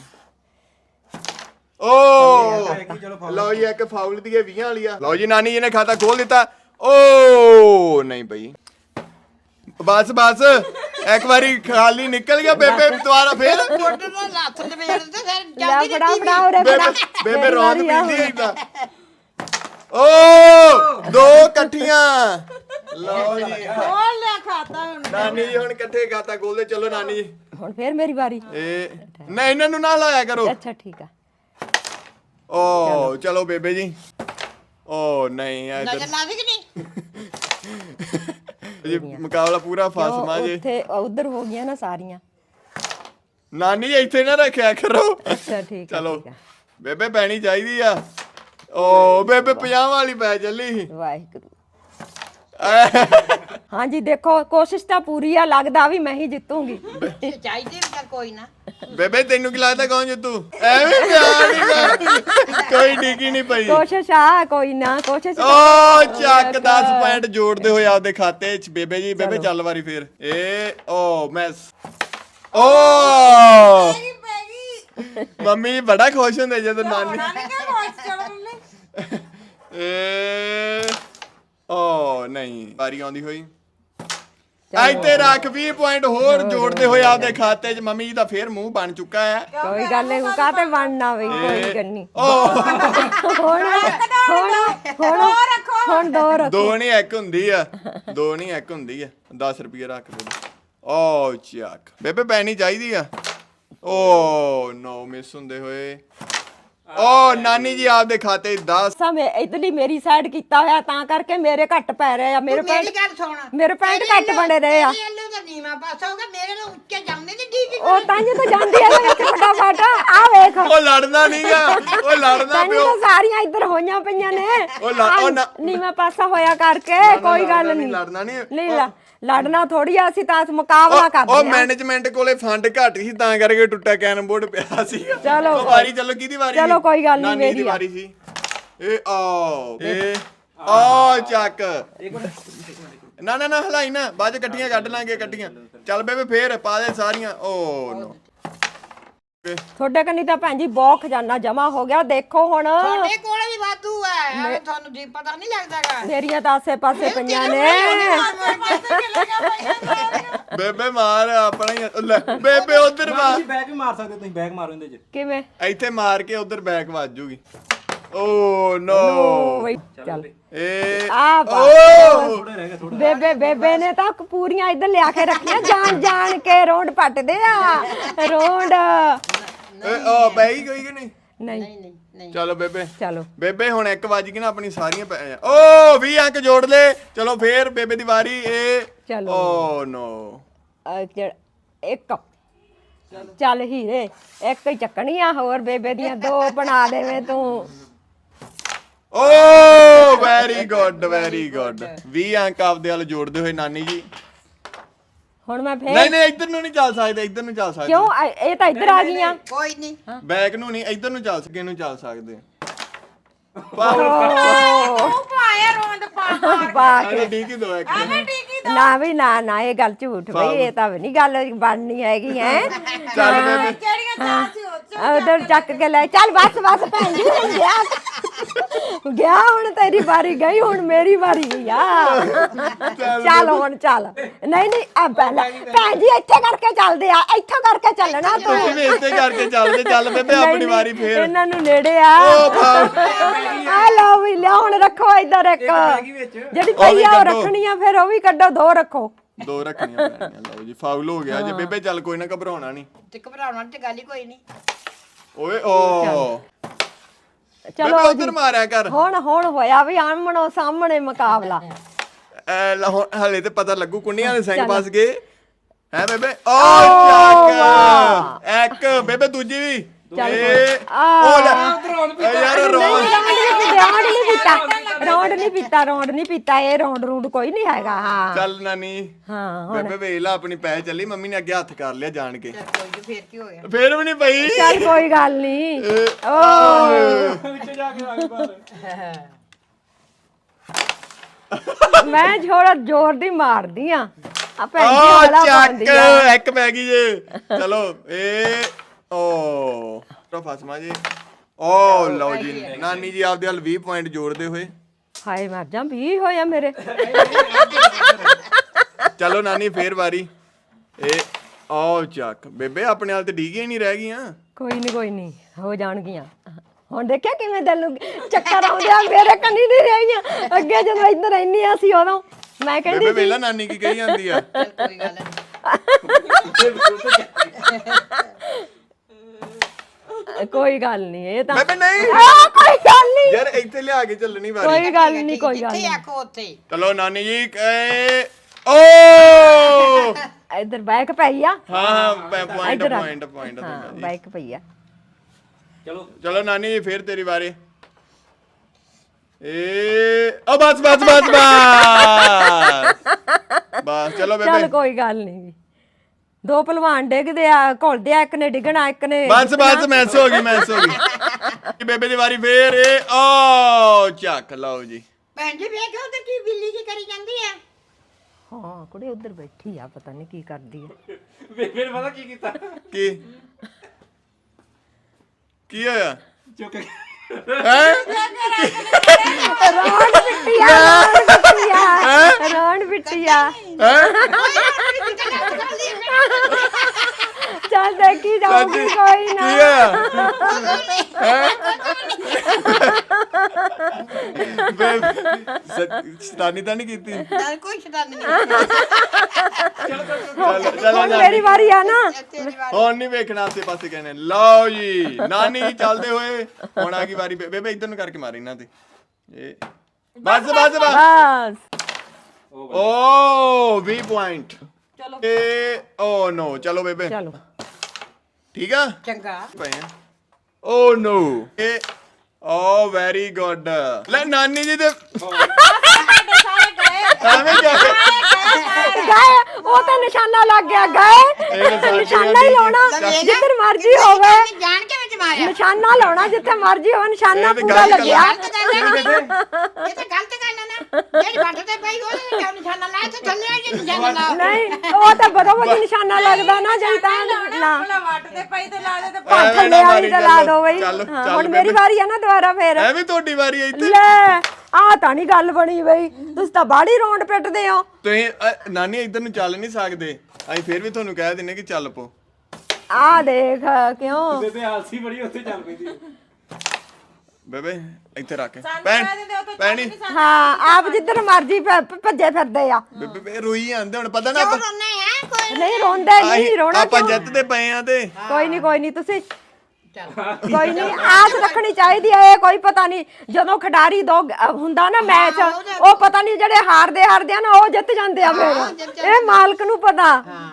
Speaker 1: ਓ ਲਓ ਜੀ ਇੱਕ ਫਾਉਲ ਦੀ ਹੈ ਵੀਹ ਵਾਲੀ ਆ ਲਓ ਜੀ ਨਾਨੀ ਜੀ ਨੇ ਖਾਤਾ ਖੋਲ ਦਿੱਤਾ ਓ ਨਹੀਂ ਬਈ ਬਸ ਬਸ ਇੱਕ ਵਾਰੀ ਖਾਲੀ ਨਿਕਲ ਗਿਆ ਬੇਬੇ ਦੁਬਾਰਾ ਫੇਰ
Speaker 3: ਪਾਊਡਰ ਨਾਲ ਹੱਥ ਲਵੇੜ ਦਿੱਤੇ ਫਿਰ
Speaker 2: ਲੈ
Speaker 3: ਜਾਂਦੀ
Speaker 2: ਫੜਾ
Speaker 3: ਨਹੀਂ
Speaker 2: ਫੜਾ ਉਰੇ
Speaker 1: ਬੇਬੇ
Speaker 2: ਫੜਾ
Speaker 1: ਬੇਬੇ
Speaker 2: ਮੇਰੀ
Speaker 1: ਰੌਂਦ
Speaker 2: ਵਾਰੀ ਆ
Speaker 1: ਪੀਂਦੀ ਇਦਾਂ ਓ ਦੋ ਇਕੱਠੀਆਂ ਲਓ ਜੀ
Speaker 5: ਖੋਲ ਲਿਆ ਖਾਤਾ ਹੁਣ
Speaker 1: ਨਾਨੀ ਜੀ ਹੁਣ ਇਕੱਠੇ ਖਾਤਾ ਖੋਲਦੇ ਚਲੋ ਨਾਨੀ ਜੀ
Speaker 2: ਹੁਣ ਫੇਰ ਮੇਰੀ ਵਾਰੀ
Speaker 1: ਇਹ ਨਹੀਂ ਇਹਨਾਂ ਨੂੰ ਨਾ ਲਾਇਆ ਕਰੋ
Speaker 2: ਅੱਛਾ ਠੀਕ ਆ
Speaker 1: ਓ ਚਲੋ ਬੇਬੇ ਜੀ ਓ ਨਹੀਂ
Speaker 3: ਨਜ਼ਰ
Speaker 1: ਇਧਰ
Speaker 3: ਲਾ ਦੀ ਕਿ ਨਹੀਂ
Speaker 1: ਜੀ ਮੁਕਾਬਲਾ ਪੂਰਾ ਫਾਸਮਾ ਜੀ
Speaker 2: ਉੱਥੇ ਉਧਰ ਹੋ ਗਈਆਂ ਨਾ ਸਾਰੀਆਂ
Speaker 1: ਨਾਨੀ ਜੀ ਇੱਥੇ ਨਾ ਰੱਖਿਆ ਕਰੋ
Speaker 2: ਅੱਛਾ ਠੀਕ ਆ
Speaker 1: ਚਲੋ
Speaker 2: ਠੀਕ ਆ
Speaker 1: ਬੇਬੇ ਪੈਣੀ ਚਾਹੀਦੀ ਆ ਓ ਬੇਬੇ ਪੰਜਾਹ ਵਾਲੀ ਪੈ ਚੱਲੀ
Speaker 2: ਵਾਹਿਗੁਰੂ ਹਾਂਜੀ ਦੇਖੋ ਕੋਸ਼ਿਸ਼ ਤਾਂ ਪੂਰੀ ਆ ਲੱਗਦਾ ਵੀ ਮੈਂ ਹੀ ਜਿੱਤੂਗੀ
Speaker 3: ਚਾਹੀਦੀ ਵੀ ਤਾਂ ਕੋਈ ਨਾ
Speaker 1: ਬੇਬੇ ਤੈਨੂੰ ਕੀ ਲੱਗਦਾ ਕੌਣ ਜਿੱਤੂ ਐਵੇਂ ਪਿਆਰ ਨਹੀਂ ਕੋਈ ਡਿੱਗੀ ਨਹੀਂ ਪਈ
Speaker 2: ਕੋਸ਼ਿਸ਼ ਆ ਕੋਈ ਨਾ ਕੋਸ਼ਿਸ਼
Speaker 1: ਓ ਚੱਕ ਦਸ ਪੁਆਇੰਟ ਜੋੜਦੇ ਹੋਏ ਆਪਦੇ ਖਾਤੇ 'ਚ ਬੇਬੇ ਜੀ ਬੇਬੇ ਚੱਲ ਵਾਰੀ ਫੇਰ ਏ ਓ ਮੈਸ ਓ
Speaker 5: ਪੈ ਗਈ
Speaker 1: ਮੰਮੀ ਬੜਾ ਖੁਸ਼ ਹੁੰਦੇ ਜਦੋਂ ਨਾਨੀ
Speaker 5: ਨਾਨੀ ਕਾ ਕੋਚ ਚਲ ਮੰਮੀ
Speaker 1: ਏ ਓ ਨਹੀਂ ਵਾਰੀ ਆਉਂਦੀ ਹੋਈ ਇੱਥੇ ਰੱਖ ਵੀਹ ਪੁਆਇੰਟ ਹੋਰ ਜੋੜਦੇ ਹੋਏ ਆਪਦੇ ਖਾਤੇ 'ਚ ਮੰਮੀ ਜੀ ਦਾ ਫੇਰ ਮੂੰਹ ਬਣ ਚੁੱਕਾ ਹੈ
Speaker 2: ਕੋਈ ਗੱਲ ਨਹੀਂ ਕਾਤੇ ਬਣਨਾ ਬਈ ਕੋਈ ਗੱਲ ਨਹੀਂ
Speaker 1: ਓ
Speaker 2: ਹੁਣ ਹੁਣ ਹੁਣ ਹੁਣ ਦੋ ਰੱਖੋ
Speaker 1: ਦੋ ਨਹੀਂ ਇੱਕ ਹੁੰਦੀ ਆ ਦੋ ਨਹੀਂ ਇੱਕ ਹੁੰਦੀ ਆ ਦਸ ਰੁਪਏ ਰੱਖ ਦੇ ਓ ਚੱਕ ਬੇਬੇ ਪੈਣੀ ਚਾਹੀਦੀ ਆ ਓ ਨੋ ਮਿਸ ਹੁੰਦੇ ਹੋਏ ਓ ਨਾਨੀ ਜੀ ਆਪਦੇ ਖਾਤੇ ਦਸ
Speaker 2: ਸਮੇਂ ਇਤਲੀ ਮੇਰੀ ਸਾਈਡ ਕੀਤਾ ਹੋਇਆ ਤਾਂ ਕਰਕੇ ਮੇਰੇ ਘੱਟ ਪੈ ਰਹੇ ਆ ਮੇਰੇ
Speaker 3: ਮੇਰੀ
Speaker 2: ਪੈਂਟ
Speaker 3: ਗੱਲ ਸੁਣ
Speaker 2: ਮੇਰੇ ਪੈਂਟ ਘੱਟ ਬਣੇ ਰਹੇ ਆ
Speaker 3: ਤੇਰੇ ਵੱਲੋਂ ਤਾਂ ਨੀਵਾਂ ਪਾਸਾ ਹੋਗਾ ਮੇਰੇ ਨਾਲ ਉੱਚੇ ਜਾਂਦੇ ਨਹੀਂ ਢੀਠ
Speaker 2: ਉਹ ਤਾਂ ਹੀ ਤਾਂ ਜਾਂਦੀ ਆ ਵਿੱਚ ਫਟਾਫਟ ਆ ਵੇਖ
Speaker 1: ਉਹ ਲੜਨਾ ਨਹੀਂਗਾ ਉਹ ਲੜਨਾ
Speaker 2: ਤੈਨੂੰ
Speaker 1: ਪਿਓ
Speaker 2: ਤਾਂ ਸਾਰੀਆਂ ਇੱਧਰ ਹੋਈਆਂ ਪਈਆਂ ਨੇ
Speaker 1: ਉਹ ਲੜ- ਉਹ ਨਾ-
Speaker 2: ਨੀਵਾਂ ਪਾਸਾ ਹੋਇਆ ਕਰਕੇ ਕੋਈ ਗੱਲ ਨਹੀਂ
Speaker 1: ਲੜਨਾ ਨਹੀਂ
Speaker 2: ਨਹੀਂ ਲ- ਲੜਨਾ ਥੋੜੀ ਆ ਅਸੀਂ ਤਾਂ ਮੁਕਾਬਲਾ
Speaker 1: ਉਹ
Speaker 2: ਕਰਦੇ ਆ
Speaker 1: ਮੈਨੇਜਮੈਂਟ ਕੋਲੇ ਫੰਡ ਘੱਟ ਸੀ ਤਾਂ ਕਰਕੇ ਟੁੱਟਾ ਕੈਰਮ ਬੋਰਡ ਪਿਆ ਸੀ
Speaker 2: ਚਲੋ।
Speaker 1: ਉਹ ਵਾਰੀ ਚਲੋ ਕਿਹਦੀ ਵਾਰੀ
Speaker 2: ਚਲੋ,
Speaker 1: ਸੀ?
Speaker 2: ਕੋਈ ਗੱਲ ਨੀ,
Speaker 1: ਨਾਨੀ
Speaker 2: ਮੇਰੀ
Speaker 1: ਦੀ
Speaker 2: ਆ।
Speaker 1: ਵਾਰੀ ਸੀ ਇਹ ਆ ਇਹ ਆ ਚੱਕ
Speaker 4: ਇੱਕ ਮਿੰਟ
Speaker 1: ਨਾ ਨਾ ਨਾ ਹਲਾਈ ਨਾ ਬਾਅਦ ਚ ਇਕੱਠੀਆਂ ਕੱਢ ਲਾਂਗੇ ਇਕੱਠੀਆਂ ਚੱਲ ਬੇਬੇ ਫੇਰ ਪਾ ਦੇ ਸਾਰੀਆਂ ਓ ਨੋ
Speaker 2: ਤੁਹਾਡੇ ਕੰਨੀ ਤਾਂ ਭੈਣ ਜੀ ਬਹੁਤ ਖਜ਼ਾਨਾ ਜਮਾ ਹੋ ਗਿਆ ਦੇਖੋ ਹੁਣ
Speaker 3: ਤੁਹਾਡੇ ਕੋਲ ਵੀ ਵਾਧੂ ਹੈ ਐਵੇਂ ਤੁਹਾਨੂੰ ਜੀ ਪਤਾ ਨਹੀਂ ਲੱਗਦਾਗਾ
Speaker 2: ਮੇਰੀਆਂ ਤਾਂ ਆਸੇ ਪਾਸੇ ਪਈਆਂ ਨੇ
Speaker 1: ਬੇਬੇ ਮਾਰ ਆਪਣਾ ਹੀ ਲੈ ਬੇਬੇ ਉਧਰ ਮਾਰ
Speaker 4: ਤੁਸੀਂ ਬੈਕ ਵੀ ਮਾਰ ਸਕਦੇ ਹੋ, ਤੁਸੀਂ ਬੈਕ ਮਾਰੋ ਇਹਦੇ 'ਚ
Speaker 2: ਕਿਵੇਂ
Speaker 1: ਇੱਥੇ ਮਾਰ ਕੇ ਉਧਰ ਬੈਕ ਵੱਜ ਜੂਗੀ ਓ ਨੋ
Speaker 2: ਓਏ ਚੱਲ
Speaker 1: ਏ
Speaker 2: ਆ ਬਾ
Speaker 1: ਓ
Speaker 4: ਥੋੜਾ ਰਹਿ ਗਿਆ ਥੋੜਾ
Speaker 2: ਬੇਬੇ ਬੇਬੇ ਨੇ ਤਾਂ ਪੂਰੀਆਂ ਇੱਧਰ ਲਿਆ ਕੇ ਰੱਖੀਆਂ ਜਾਣ ਜਾਣ ਕੇ ਰੋਂਡ ਪੱਟਦੇ ਆ ਰੋਂਡ
Speaker 1: ਏ ਓ ਬਈ ਗਈ ਕਿ ਨਹੀਂ
Speaker 2: ਨਹੀਂ
Speaker 3: ਨਹੀਂ ਨਹੀਂ
Speaker 1: ਚਲੋ ਬੇਬੇ
Speaker 2: ਚਲੋ
Speaker 1: ਬੇਬੇ ਹੁਣ ਇੱਕ ਵੱਜ ਗਈ ਨਾ ਆਪਣੀ ਸਾਰੀਆਂ ਪੈ ਜਾ ਓ ਵੀਹ ਅੰਕ ਜੋੜ ਲੈ ਚਲੋ ਫੇਰ ਬੇਬੇ ਦੀ ਵਾਰੀ ਏ
Speaker 2: ਚਲੋ।
Speaker 1: ਓ ਨੋ
Speaker 2: ਅਹ ਜਿਹੜਾ- ਇੱਕ ਚੱਲ ਹੀਰੇ ਇੱਕ ਹੀ ਚੱਕਣੀ ਆ ਹੋਰ ਬੇਬੇ ਦੀਆਂ ਦੋ ਬਣਾ ਦੇਵੇਂ ਤੂੰ
Speaker 1: ਓ ਵੈਰੀ ਗੁੱਡ ਵੈਰੀ ਗੁੱਡ ਵੀਹ ਅੰਕ ਆਪਦੇ ਵੱਲ ਜੋੜਦੇ ਹੋਏ ਨਾਨੀ ਜੀ।
Speaker 2: ਹੁਣ ਮੈਂ
Speaker 1: ਨਹੀਂ
Speaker 2: ਫੇਰ
Speaker 1: ਨਹੀਂ ਇੱਧਰ ਨੂੰ ਨਹੀਂ ਚੱਲ ਸਕਦੇ, ਇੱਧਰ ਨੂੰ ਚੱਲ ਸਕਦੇ।
Speaker 2: ਕਿਉਂ ਇਹ- ਇਹ ਤਾਂ ਇੱਧਰ ਆ ਗਈਆਂ।
Speaker 3: ਕੋਈ ਨਹੀਂ
Speaker 1: ਬੈਕ ਨੂੰ ਨਹੀਂ, ਇੱਧਰ ਨੂੰ ਚੱਲ ਸਕੇ ਨੂੰ ਚੱਲ ਸਕਦੇ।
Speaker 5: ਤੂੰ ਪਾਇਆ ਰੋਂਦ ਪਾ ਮਾਰ
Speaker 2: ਵਾਹ
Speaker 1: ਅਰੇ ਠੀਕ ਹੀ ਦੋ ਇੱਕ
Speaker 5: ਐਵੇਂ ਟੀਕੀ
Speaker 2: ਨਾ ਵੀ ਨਾ ਨਾ ਇਹ ਗੱਲ ਝੂਠ ਬਈ ਇਹ ਤਾਂ ਵੀ ਨਹੀਂ ਗੱਲ ਬਣਨੀ ਹੈਗੀ ਹੈ।
Speaker 1: ਚੱਲ ਬੇਬੇ
Speaker 5: ਕਿਹੜੀਆਂ ਚਾਹ ਸੀ ਉਹ ਚ
Speaker 2: ਉਧਰ ਚੱਕ ਕੇ ਲੈ ਚੱਲ ਬਸ ਬਸ ਭੈਣ ਜੀ ਹੁਣ ਗਿਆ ਗਿਆ ਹੁਣ ਤੇਰੀ ਵਾਰੀ ਗਈ ਹੁਣ ਮੇਰੀ ਵਾਰੀ ਗਈ ਆ। ਚੱਲ ਹੁਣ ਚੱਲ ਨਹੀਂ ਨਹੀਂ ਆ ਪਹਿਲਾਂ ਭੈਣ ਜੀ ਇੱਥੇ ਕਰਕੇ ਚੱਲਦੇ ਆ ਇੱਥੋਂ ਕਰਕੇ ਚੱਲਣਾ ਤੂੰ
Speaker 1: ਤੁਸੀਂ ਵੀ ਇੱਥੇ ਕਰਕੇ ਚੱਲਦੇ ਚੱਲ ਬੇਬੇ
Speaker 2: ਨਹੀਂ,
Speaker 1: ਆਪਣੀ
Speaker 2: ਨਹੀਂ,
Speaker 1: ਵਾਰੀ ਫੇਰ।
Speaker 2: ਇਹਨਾਂ ਨੂੰ ਨੇੜੇ ਆ
Speaker 1: ਓ ਫਾਉ
Speaker 2: ਆ ਲਓ ਵੀ ਲਿਆ ਹੁਣ ਰੱਖੋ ਇੱਧਰ ਇੱਕ ਜਿਹੜੀ ਪਈ ਆ ਉਹ ਰੱਖਣੀ ਆ ਫਿਰ ਉਹ ਵੀ ਕੱਢੋ ਦੋ ਰੱਖੋ।
Speaker 1: ਦੋ ਰੱਖਣੀਆਂ ਪੈਣੀਆਂ। ਲਓ ਜੀ ਫਾਉਲ ਹੋ ਗਿਆ ਜੀ ਬੇਬੇ। ਚੱਲ ਕੋਈ ਨਾ ਘਬਰਾਉਣਾ ਨਹੀਂ।
Speaker 3: ਤੇ ਘਬਰਾਉਣ ਤੇ ਗੱਲ ਹੀ ਕੋਈ ਨਹੀਂ।
Speaker 1: ਓਏ ਓ
Speaker 2: ਚਲੋ
Speaker 1: ਬੇਬੇ ਉਧਰ ਮਾਰਿਆ ਕਰ।
Speaker 2: ਹੁਣ ਹੁਣ ਹੋਇਆ ਵੀ ਆਮਣੋ ਸਾਹਮਣੇ ਮੁਕਾਬਲਾ।
Speaker 1: ਐ ਲੈ ਹੁਣ ਹਲੇ ਤੇ ਪਤਾ ਲੱਗੂ ਕੁੰਡੀਆਂ ਦੇ ਸਿੰਘ
Speaker 2: ਚੱਲ।
Speaker 1: ਫਸ ਗਏ ਹੈ ਬੇਬੇ। ਓ ਚੱਕ ਇੱਕ ਬੇਬੇ ਦੂਜੀ ਵੀ
Speaker 2: ਚੱਲ
Speaker 1: ਏ
Speaker 2: ਆ
Speaker 1: ਓ ਲੈ ਏ ਯਾਰ ਰੋ
Speaker 2: ਰੌਂਡ ਨਹੀਂ ਪੀਤਾ ਰੌਂਡ ਨਹੀਂ ਪੀਤਾ ਰੌਂਡ ਨਹੀਂ ਪੀਤਾ ਇਹ ਰੌਂਡ ਰੂੰਡ ਕੋਈ ਨਹੀਂ ਹੈਗਾ। ਹਾਂ
Speaker 1: ਚੱਲ ਨਾਨੀ
Speaker 2: ਹਾਂ
Speaker 1: ਬੇਬੇ ਵੇਖ ਲਾ ਆਪਣੀ ਪੈ ਚੱਲੀ। ਮੰਮੀ ਨੇ ਅੱਗੇ ਹੱਥ ਕਰ ਲਿਆ ਜਾਣ ਕੇ।
Speaker 3: ਕੋਈ ਨਹੀਂ ਫੇਰ ਕੀ ਹੋ ਗਿਆ।
Speaker 1: ਫੇਰ ਵੀ ਨਹੀਂ ਪਈ।
Speaker 2: ਚੱਲ ਕੋਈ ਗੱਲ ਨਹੀਂ।
Speaker 1: ਏ,
Speaker 2: ਓ
Speaker 4: ਵਿੱਚ ਜਾ ਕੇ ਆਗੇ ਬਾਹਰ
Speaker 2: ਮੈਂ ਥੋੜਾ ਜ਼ੋਰ ਦੀ ਮਾਰਦੀ ਆ ਆ ਭੈਣ ਜੀ
Speaker 1: ਓ
Speaker 2: ਵਾਲਾ
Speaker 1: ਚੱਕ
Speaker 2: ਪਾਉਂਦੀ ਆ।
Speaker 1: ਇੱਕ ਪੈ ਗਈ ਜੇ। ਚਲੋ ਏ ਓ ਟੋ ਫਸਮਾ ਜੀ। ਓ ਲਓ ਜੀ ਨਾਨੀ ਜੀ ਆਪਦੇ ਵੱਲ ਵੀਹ ਪੁਆਇੰਟ ਜੋੜਦੇ ਹੋਏ।
Speaker 2: ਹਾਏ ਮਰ ਜਾ ਵੀ ਹੋਇਆ ਮੇਰੇ।
Speaker 1: ਚਲੋ ਨਾਨੀ ਫੇਰ ਵਾਰੀ। ਏ ਓ ਚੱਕ ਬੇਬੇ ਆਪਣੇ ਨਾਲ ਤੇ ਡੀਗੀਆਂ ਹੀ ਨਹੀਂ ਰਹਿ ਗਈਆਂ।
Speaker 2: ਕੋਈ ਨਹੀਂ ਕੋਈ ਨਹੀਂ ਹੋ ਜਾਣਗੀਆਂ। ਹੁਣ ਦੇਖਿਆ ਕਿਵੇਂ ਦਿਲ ਨੂੰ ਚੱਕਰ ਆਉਂਦੇ ਆ ਮੇਰੇ ਕੰਨੀ ਨਹੀਂ ਰਹੀਆਂ। ਅੱਗੇ ਜਦੋਂ ਇੱਧਰ ਇੰਨੀ ਆ ਸੀ ਉਦੋਂ ਮੈਂ ਕਹਿੰਦੀ
Speaker 1: ਬੇਬੇ ਵੇਲਾ ਨਾਨੀ ਕੀ ਕਹੀ ਜਾਂਦੀ ਆ।
Speaker 3: ਚੱਲ ਕੋਈ ਗੱਲ ਨਹੀਂ।
Speaker 2: ਕੋਈ ਗੱਲ ਨਹੀਂ ਇਹ ਤਾਂ
Speaker 1: ਬੇਬੇ ਨਹੀਂ
Speaker 2: ਆ ਕੋਈ ਗੱਲ ਨਹੀਂ
Speaker 1: ਯਾਰ ਇੱਥੇ ਲਿਆ ਕੇ ਚੱਲਣੀ ਵਾਰੀ।
Speaker 2: ਕੋਈ ਗੱਲ ਨਹੀਂ ਕੋਈ ਗੱਲ
Speaker 3: ਜਿੱਥੇ
Speaker 2: ਨਹੀਂ।
Speaker 3: ਆਖੋ ਉੱਥੇ।
Speaker 1: ਚਲੋ ਨਾਨੀ ਜੀ ਏ ਓ
Speaker 2: ਇੱਧਰ ਬਾਈਕ ਪਈ ਆ।
Speaker 1: ਹਾਂ ਹਾਂ ਪੁਆਇੰਟ
Speaker 2: ਇੱਧਰ ਆ।
Speaker 1: ਪੁਆਇੰਟ ਪੁਆਇੰਟ
Speaker 2: ਹਾਂ
Speaker 1: ਦੇਣਾ ਜੀ।
Speaker 2: ਬਾਈਕ ਪਈ ਆ।
Speaker 4: ਚਲੋ
Speaker 1: ਚਲੋ ਨਾਨੀ ਜੀ ਫੇਰ ਤੇਰੀ ਵਾਰੀ। ਏ ਓ ਬਸ ਬਸ ਬਸ ਬਸ ਬਸ ਚਲੋ
Speaker 2: ਚੱਲ
Speaker 1: ਬੇਬੇ
Speaker 2: ਕੋਈ ਗੱਲ ਨਹੀਂ। ਦੋ ਪਹਿਲਵਾਨ ਡਿੱਗਦੇ ਆ ਘੁਲਦੇ ਆ ਇੱਕ ਨੇ ਡਿੱਗਣਾ ਇੱਕ ਨੇ
Speaker 1: ਬਸ ਬਸ ਮੈਸ ਹੋ ਗਈ ਮੈਸ ਹੋ ਗਈ। ਬੇਬੇ ਦੀ ਵਾਰੀ ਫੇਰ ਏ ਓ ਚੱਕ ਲਓ ਜੀ।
Speaker 3: ਭੈਣ ਜੀ ਵੇਖੋ ਤੇ ਕੀ ਬਿੱਲੀ ਕੀ ਕਰੀ ਜਾਂਦੀ ਆ।
Speaker 2: ਹਾਂ ਕੁੜੇ ਉੱਧਰ ਬੈਠੀ ਆ ਪਤਾ ਨਹੀਂ ਕੀ ਕਰਦੀ ਆ।
Speaker 4: ਬੇਬੇ ਨੇ ਪਤਾ ਕੀ ਕੀਤਾ
Speaker 1: ਕੀ ਕੀ ਹੋਇਆ
Speaker 4: ਚੁੱਕ ਕੇ
Speaker 1: ਹੈ
Speaker 2: ਰੌਣ ਪਿੱਟੀ ਆ ਰੌਣ ਪਿੱਟੀ ਆ ਰੌਣ ਪਿੱਟੀ ਆ ਚੱਲ ਦੇਖੀ ਜਾਊਗੀ ਕੋਈ ਨਾ।
Speaker 1: ਕੀ ਹੋਇਆ ਸਤਾਨੀ ਤਾਂ ਨਹੀਂ ਕੀਤੀ।
Speaker 3: ਨਾਲ ਕੋਈ ਸ਼ੈਤਾਨ ਨਹੀਂ।
Speaker 1: ਚਲੋ ਚਲੋ
Speaker 2: ਹੁਣ ਮੇਰੀ ਵਾਰੀ ਆ ਨਾ।
Speaker 3: ਤੇਰੀ ਵਾਰੀ।
Speaker 1: ਹੁਣ ਨਹੀਂ ਵੇਖਣਾ ਆਸੇ ਪਾਸੇ ਕਹਿੰਦੇ। ਲਓ ਜੀ ਨਾਨੀ ਜੀ ਚੱਲਦੇ ਹੋਏ ਹੁਣ ਆ ਗਈ ਵਾਰੀ ਬੇ- ਬੇਬੇ ਇੱਧਰ ਨੂੰ ਕਰਕੇ ਮਾਰ ਇਹਨਾਂ ਤੇ। ਇਹ ਬਸ ਬਸ ਬਸ
Speaker 2: ਬਸ
Speaker 1: ਓ ਵੀਹ ਪੁਆਇੰਟ।
Speaker 5: ਚਲੋ
Speaker 1: ਏ ਓ ਨੋ ਚਲੋ ਬੇਬੇ
Speaker 2: ਚਲੋ
Speaker 1: ਠੀਕ ਆ
Speaker 3: ਚੰਗਾ।
Speaker 1: ਪਏ ਆ। ਓ ਨੋ ਏ ਓ ਵੈਰੀ ਗੁੱਡ। ਲੈ ਨਾਨੀ ਜੀ ਦੇ
Speaker 5: ਸਾਡੇ ਸਾਰੇ ਗਏ
Speaker 1: ਐਵੇਂ ਜਾ
Speaker 2: ਗਏ ਉਹ ਤਾਂ ਨਿਸ਼ਾਨਾ ਲੱਗ ਗਿਆ ਗਏ ਨਿਸ਼ਾਨਾ ਹੀ ਲਾਉਣਾ ਜਿੱਧਰ ਮਰਜ਼ੀ ਹੋਵੇ
Speaker 3: ਜਾਣ ਕੇ ਵਿੱਚ ਮਾਰਿਆ।
Speaker 2: ਨਿਸ਼ਾਨਾ ਲਾਉਣਾ ਜਿੱਥੇ ਮਰਜ਼ੀ ਹੋਵੇ ਨਿਸ਼ਾਨਾ
Speaker 1: ਇਹ ਤਾਂ
Speaker 2: ਪੂਰਾ
Speaker 1: ਗੱਲ
Speaker 2: ਲੱਗਿਆ।
Speaker 3: ਗਲਤ ਗੱਲ ਹੈ ਨਾ। ਇਹ ਤਾਂ ਗਲਤ ਗੱਲ ਹੈ ਨਾ। ਜਿਹੜੀ ਵੱਟ ਤੇ ਪਈ ਉਹਨੇ ਕਿਉਂ ਨਿਸ਼ਾਨਾ ਲਾਇਆ ਤੇ ਥੱਲੇ ਆ ਜੀ ਨਿਸ਼ਾਨਾ ਲਾ।
Speaker 2: ਨਹੀਂ ਉਹ ਤਾਂ ਬਰੋਬਰ ਨਿਸ਼ਾਨਾ ਲੱਗਦਾ ਨਾ ਜਦ ਤਾਂ ਨਾ
Speaker 5: ਭਲਾ ਵੱਟ ਤੇ ਪਈ ਤੇ ਲਾ ਦੇ ਤੇ
Speaker 2: ਪਾ
Speaker 1: ਐਵੇਂ
Speaker 2: ਥੱਲੇ
Speaker 1: ਨਾ
Speaker 2: ਵਾਲੀ ਤਾਂ ਲਾ
Speaker 1: ਮਾਰੀ
Speaker 2: ਦੋ ਬਈ
Speaker 1: ਚੱਲ,
Speaker 2: ਹਾਂ,
Speaker 1: ਚੱਲ
Speaker 2: ਹੁਣ ਮੇਰੀ
Speaker 1: ਬੇਬੇ।
Speaker 2: ਵਾਰੀ ਆ ਨਾ ਦੁਬਾਰਾ ਫੇਰ
Speaker 1: ਐਵੇਂ ਤੁਹਾਡੀ ਵਾਰੀ ਆ ਇੱਥੇ।
Speaker 2: ਲੈ ਆ ਤਾਂ ਨਹੀਂ ਗੱਲ ਬਣੀ ਬਈ ਤੁਸੀਂ ਤਾਂ ਬਾੜੀ ਰੌਂਡ ਪਿੱਟਦੇ ਹੋ।
Speaker 1: ਤੁਸੀਂ ਅ, ਨਾਨੀ ਇੱਧਰ ਨੂੰ ਚੱਲ ਨਹੀਂ ਸਕਦੇ। ਅਸੀਂ ਫੇਰ ਵੀ ਤੁਹਾਨੂੰ ਕਹਿ ਦਿੰਨੇ ਕਿ ਚੱਲ ਪੋ।
Speaker 2: ਆ ਦੇਖ ਕਿਉਂ
Speaker 4: ਬੇਬੇ ਆਲਸੀ ਬੜੀ ਉੱਥੇ ਚੱਲ ਪੈਂਦੀ
Speaker 1: ਬੇਬੇ ਇੱਥੇ ਰੱਖ
Speaker 5: ਸਾਨੂੰ
Speaker 1: ਪੈਣ
Speaker 5: ਕਹਿ ਦਿੰਦੇ ਉਹ ਤਾਂ
Speaker 1: ਪੈਣੀ
Speaker 2: ਹਾਂ ਆਪ ਜਿੱਧਰ ਮਰਜ਼ੀ ਭੱਜ- ਭੱਜੇ ਫਿਰਦੇ ਆ।
Speaker 1: ਬੇਬੇ ਬੇ ਰੋਈ ਆਂਦੇ ਹੁਣ ਪਤਾ ਨਾ
Speaker 3: ਕਿਉਂ
Speaker 1: ਆਪਾਂ
Speaker 3: ਰੋਣਾ ਹੈ ਕੋਈ
Speaker 2: ਨਹੀਂ ਰੋਂਦੇ ਨਹੀਂ
Speaker 1: ਅਸੀਂ-
Speaker 2: ਰੋਣਾ
Speaker 1: ਆਪਾਂ
Speaker 2: ਕਿਉਂ?
Speaker 1: ਜਿੱਤਦੇ ਪਏ ਆ ਤੇ
Speaker 2: ਕੋਈ ਨਹੀਂ ਕੋਈ ਨਹੀਂ ਤੁਸੀਂ
Speaker 3: ਚੱਲ।
Speaker 2: ਕੋਈ ਨਹੀਂ ਆਸ ਰੱਖਣੀ ਚਾਹੀਦੀ ਹੈ। ਇਹ ਕੋਈ ਪਤਾ ਨਹੀਂ ਜਦੋਂ ਖਿਡਾਰੀ ਦੋ ਹੁੰਦਾ ਨਾ ਮੈਚ ਉਹ ਪਤਾ ਨਹੀਂ ਜਿਹੜੇ ਹਾਰਦੇ ਹਾਰਦੇ ਆ ਨਾ ਉਹ ਜਿੱਤ ਜਾਂਦੇ ਆ ਫਿਰ ਇਹ ਮਾਲਕ ਨੂੰ ਪਤਾ।
Speaker 3: ਹਾਂ।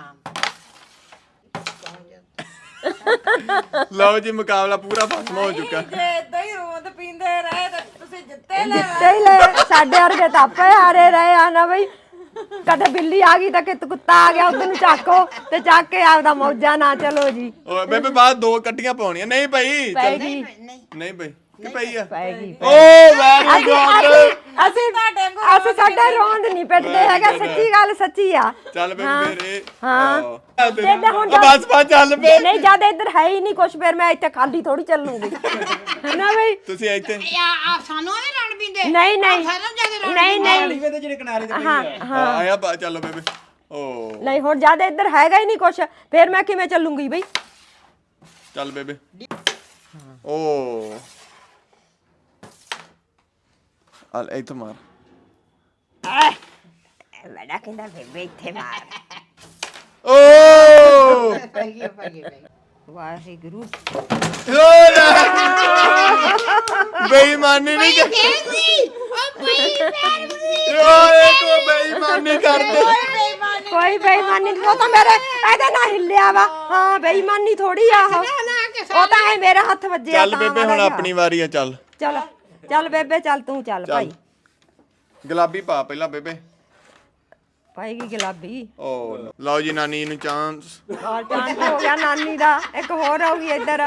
Speaker 1: ਲਓ ਜੀ ਮੁਕਾਬਲਾ ਪੂਰਾ ਖਤਮ ਹੋ ਚੁੱਕਾ।
Speaker 5: ਜੇ ਇਦਾਂ ਹੀ ਰੋਂਦ ਪੀਂਦੇ ਰਹੇ ਤਾਂ ਤੁਸੀਂ ਜਿੱਤੇ ਲੈ
Speaker 2: ਜਿੱਤੇ ਹੀ ਲੈ ਸਾਡੇ ਵਰਗੇ ਤਾਂ ਆਪੇ ਹਾਰੇ ਰਹੇ ਆ ਨਾ ਬਈ ਕਦੇ ਬਿੱਲੀ ਆ ਗਈ ਤਾਂ ਕਿ ਕੁੱਤਾ ਆ ਗਿਆ ਉਧਰ ਨੂੰ ਚੱਕੋ ਤੇ ਚੱਕ ਕੇ ਆਪਦਾ ਮੌਜਾਂ ਨਾ ਚਲੋ ਜੀ
Speaker 1: ਓਏ ਬੇਬੇ ਬਾਅਦ ਦੋ ਕੱਟੀਆਂ ਪਾਉਣੀਆਂ ਨਹੀਂ ਭਾਈ
Speaker 2: ਪੈ ਗਈ
Speaker 1: ਨਹੀਂ ਭਾਈ ਕਿ ਪਈ ਆ
Speaker 2: ਪੈ ਗਈ
Speaker 1: ਓ ਵੈਰੀ
Speaker 2: ਅਸੀਂ
Speaker 1: ਗੁੱਡ
Speaker 2: ਅਸੀਂ- ਅਸੀਂ ਅਸੀਂ ਸਾਡੇ ਰੋਂਦ ਨਹੀਂ ਪਿੱਟਦੇ ਹੈਗੇ ਸੱਚੀ ਗੱਲ ਸੱਚੀ ਆ
Speaker 1: ਚੱਲ ਬੇਬੇ ਮੇਰੇ
Speaker 2: ਹਾਂ।
Speaker 1: ਹਾਂ
Speaker 2: ਬੇਬੇ ਹੁਣ
Speaker 1: ਬਸ ਬਸ ਚੱਲ ਪੇ
Speaker 2: ਨਹੀਂ ਜਦ ਇੱਧਰ ਹੈ ਹੀ ਨਹੀਂ ਕੁਛ ਫਿਰ ਮੈਂ ਇੱਥੇ ਖਾਲੀ ਥੋੜੀ ਚੱਲੂਗੀ ਨਾ ਬਈ
Speaker 1: ਤੁਸੀਂ ਇੱਥੇ
Speaker 3: ਆ ਆ ਸਾਨੂੰ ਐਵੇਂ ਰਣ ਪੀਂਦੇ
Speaker 2: ਨਹੀਂ ਨਹੀਂ
Speaker 3: ਸਾਨੂੰ ਜਿਆਦਾ ਰਣ
Speaker 2: ਨਹੀਂ ਨਹੀਂ
Speaker 4: ਲੀਵੇ ਤੇ ਜਿਹੜੇ ਕਿਨਾਰੇ ਤੇ
Speaker 2: ਹਾਂ
Speaker 1: ਹਾਂ ਆਇਆ ਬਾ ਚੱਲੋ ਬੇਬੇ ਓ
Speaker 2: ਨਹੀਂ ਹੁਣ ਜਦ ਇੱਧਰ ਹੈਗਾ ਹੀ ਨਹੀਂ ਕੁਛ ਫਿਰ ਮੈਂ ਕਿਵੇਂ ਚੱਲੂਗੀ ਬਈ
Speaker 1: ਚੱਲ ਬੇਬੇ ਓ ਅਲ ਇੱਥੇ ਮਾਰ
Speaker 2: ਬੜਾ ਕਹਿੰਦਾ ਬੇਬੇ ਇੱਥੇ ਮਾਰ
Speaker 1: ਓ
Speaker 3: ਪੈ ਗਈ ਪੈ ਗਈ
Speaker 2: ਵਾਹਿਗੁਰੂ
Speaker 1: ਬੇਈਮਾਨੀ ਨਹੀਂ ਕਰ
Speaker 3: ਉਹ ਪਈ ਪੈਰ ਵੀ
Speaker 1: ਓਏ ਕੋ ਬੇਈਮਾਨੀ ਕਰਦੇ
Speaker 2: ਕੋਈ ਬੇਈਮਾਨੀ ਨਹੀਂ ਉਹ ਤਾਂ ਮੇਰੇ ਇਹਦੇ ਨਾਲ ਹਿੱਲਿਆ ਵਾ ਹਾਂ ਬੇਈਮਾਨੀ ਥੋੜੀ ਆ ਉਹ
Speaker 3: ਨਾ ਕੇ
Speaker 2: ਉਹ ਤਾਂ ਐ ਮੇਰੇ ਹੱਥ ਵੱਜਿਆ
Speaker 1: ਚੱਲ ਬੇਬੇ ਹੁਣ ਆਪਣੀ ਵਾਰੀ ਆ ਚੱਲ
Speaker 2: ਚੱਲ ਚੱਲ ਬੇਬੇ ਚੱਲ ਤੂੰ ਚੱਲ ਭਾਈ
Speaker 1: ਗੁਲਾਬੀ ਪਾ ਪਹਿਲਾਂ ਬੇਬੇ
Speaker 2: ਪਾਏਗੀ ਗੁਲਾਬੀ
Speaker 1: ਓ ਲਓ ਜੀ ਨਾਨੀ ਨੂੰ ਚਾਂਸ
Speaker 2: ਔਰ ਚਾਂਸ ਹੋ ਗਿਆ ਨਾਨੀ ਦਾ ਇੱਕ ਹੋਰ ਆਉਗੀ ਇੱਧਰ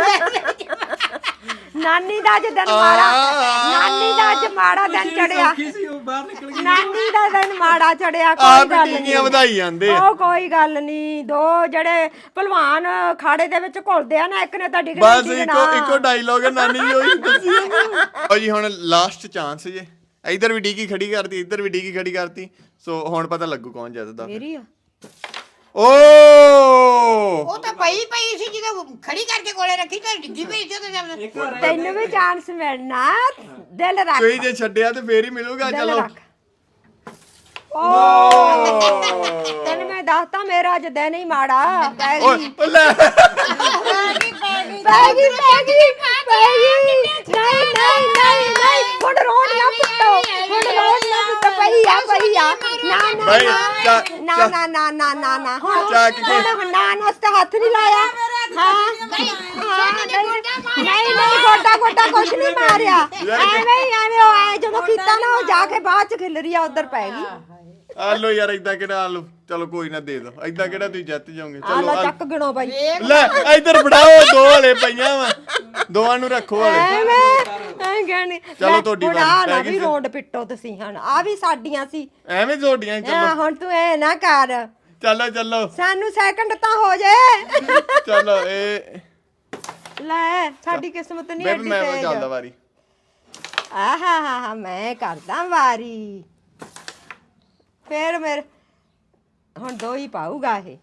Speaker 2: ਨਾਨੀ ਦਾ ਅੱਜ ਦਿਨ ਮਾੜਾ ਨਾਨੀ ਦਾ ਅੱਜ ਮਾੜਾ ਦਿਨ ਚੜਿਆ
Speaker 4: ਕੀ ਸੀ ਉਹ ਬਾਹਰ ਨਿਕਲ ਗਈ
Speaker 2: ਨਾਨੀ ਦਾ ਦਿਨ ਮਾੜਾ ਚੜਿਆ
Speaker 1: ਆ
Speaker 2: ਕੋਈ ਗੱਲ
Speaker 1: ਬੀਟੀਆਂ
Speaker 2: ਨਹੀਂ
Speaker 1: ਵਧਾਈ ਜਾਂਦੇ ਆ
Speaker 2: ਉਹ ਕੋਈ ਗੱਲ ਨਹੀਂ ਦੋ ਜਿਹੜੇ ਭਲਵਾਨ ਖਾੜੇ ਦੇ ਵਿੱਚ ਘੁਲਦੇ ਆ ਨਾ ਇੱਕ ਨੇ ਤਾਂ ਡਿਗਣਾ
Speaker 1: ਬਸ ਇੱਕੋ ਇੱਕੋ ਡਾਇਲੋਗ ਹੈ ਨਾਨੀ ਜੀ ਉਹੀ ਦੱਸੀ ਲਓ ਜੀ ਹੁਣ ਲਾਸਟ ਚਾਂਸ ਜੇ ਇੱਧਰ ਵੀ ਡੀਕੀ ਖੜੀ ਕਰਤੀ ਇੱਧਰ ਵੀ ਡੀਕੀ ਖੜੀ ਕਰਤੀ ਸੋ ਹੁਣ ਪਤਾ ਲੱਗੂ ਕੌਣ ਜਿੱਤਦਾ
Speaker 2: ਮੇਰੀ ਆ
Speaker 1: ਓ
Speaker 3: ਉਹ ਤਾਂ ਪਈ ਪਈ ਸੀ ਜਦੋਂ ਖੜੀ ਕਰਕੇ ਕੋਲੇ ਰੱਖੀ ਤੇ ਡਿੱਗੀ ਪਈ ਸੀ ਉਹਦੇ
Speaker 4: ਇੱਕ ਵਾਰ
Speaker 2: ਤੈਨੂੰ ਵੀ ਚਾਂਸ ਮਿਲਣਾ ਦਿਲ ਰੱਖ
Speaker 1: ਕੋਈ ਜੇ ਛੱਡਿਆ ਤੇ ਫੇਰ ਹੀ ਮਿਲੂਗਾ
Speaker 2: ਦਿਲ
Speaker 1: ਚਲੋ
Speaker 2: ਰੱਖ ਓ ਤੈਨੂੰ ਮੈਂ ਦੱਸਤਾ ਮੇਰਾ ਅੱਜ ਦਿਨ ਹੀ ਮਾੜਾ ਪੈ ਗਈ
Speaker 1: ਓਏ ਲੈ
Speaker 2: ਪੈ ਗਈ ਪੈ ਗਈ ਪੈ ਗਈ ਪੈ ਗਈ ਨਹੀਂ ਨਹੀਂ ਨਹੀਂ ਨਹੀਂ ਹੁਣ ਰੋਣ ਨਾ ਪਿੱਟੋ ਹੁਣ ਰੋਣ ਨਾ ਪਿੱਟੋ ਪਈ ਆ ਪਈ ਆ ਨਾ ਨਾ
Speaker 1: ਭਾਈ,
Speaker 2: ਨਾ
Speaker 1: ਚਾ-
Speaker 2: ਨਾ ਨਾ ਨਾ ਨਾ ਨਾ ਨਾ ਹੁਣ
Speaker 1: ਚੱਕ ਕੇ-
Speaker 2: ਹੁਣ ਨਾ ਨਾ ਉਸ ਤੇ ਹੱਥ ਨਹੀਂ ਲਾਇਆ ਹਾਂ ਨਹੀਂ ਨਹੀਂ ਨਹੀਂ ਗੋਡਾ ਗੋਡਾ ਕੁਛ ਨਹੀਂ ਮਾਰਿਆ ਐਵੇਂ ਹੀ ਐਵੇਂ ਉਹ ਐ ਜਦੋਂ ਕੀਤਾ ਨਾ ਉਹ ਜਾ ਕੇ ਬਾਅਦ ਚ ਖਿਲਰੀ ਆ ਉਧਰ ਪੈ ਗਈ
Speaker 1: ਆ ਲੋ ਯਾਰ ਇਦਾਂ ਕਿਹੜਾ ਆ ਲੋ ਚਲੋ ਕੋਈ ਨਾ ਦੇ ਦੋ ਇਦਾਂ ਕਿਹੜਾ ਤੁਸੀਂ ਜਿੱਤ ਜਾਓਗੇ
Speaker 2: ਆ
Speaker 1: ਚਲੋ
Speaker 2: ਲੈ
Speaker 1: ਆ-
Speaker 2: ਚੱਕ ਗਣੋ ਬਾਈ
Speaker 1: ਲੈ ਇੱਧਰ ਫੜਾਓ ਦੋ ਹਲੇ ਪਈਆਂ ਵਾ ਦੋਵਾਂ ਨੂੰ ਰੱਖੋ ਹਲੇ
Speaker 2: ਐਵੇਂ ਐ ਗਣੀ
Speaker 1: ਚਲੋ ਤੁਹਾਡੀ ਵਾਰੀ,
Speaker 2: ਨਾ
Speaker 1: ਪੈ ਗਈ
Speaker 2: ਵੀ
Speaker 1: ਫਿਰ।
Speaker 2: ਰੋਂਡ ਪਿੱਟੋ ਤੁਸੀਂ ਹੁਣ ਆ ਵੀ ਸਾਡੀਆਂ ਸੀ
Speaker 1: ਐਵੇਂ ਝੋਟੀਆਂ
Speaker 2: ਆ
Speaker 1: ਚਲੋ
Speaker 2: ਹੁਣ ਤੂੰ ਐ ਨਾ ਕਰ
Speaker 1: ਚਲੋ ਚਲੋ
Speaker 2: ਸਾਨੂੰ ਸੈਕਿੰਡ ਤਾਂ ਹੋ ਜਾਏ
Speaker 1: ਚਲੋ ਇਹ
Speaker 2: ਲੈ ਸਾਡੀ ਕਿਸਮਤ ਨਹੀਂ
Speaker 1: ਬੇਬੀ
Speaker 2: ਐਡੀ
Speaker 1: ਮੈਂ
Speaker 2: ਤੇਜ਼
Speaker 1: ਚੱਲਦਾ ਵਾਰੀ
Speaker 2: ਆਹਾ ਹਾ ਹਾ ਮੈਂ ਕਰਦਾ ਵਾਰੀ ਫੇਰ ਮੇਰੇ ਹੁਣ ਦੋ ਹੀ ਪਾਊਗਾ ਇਹ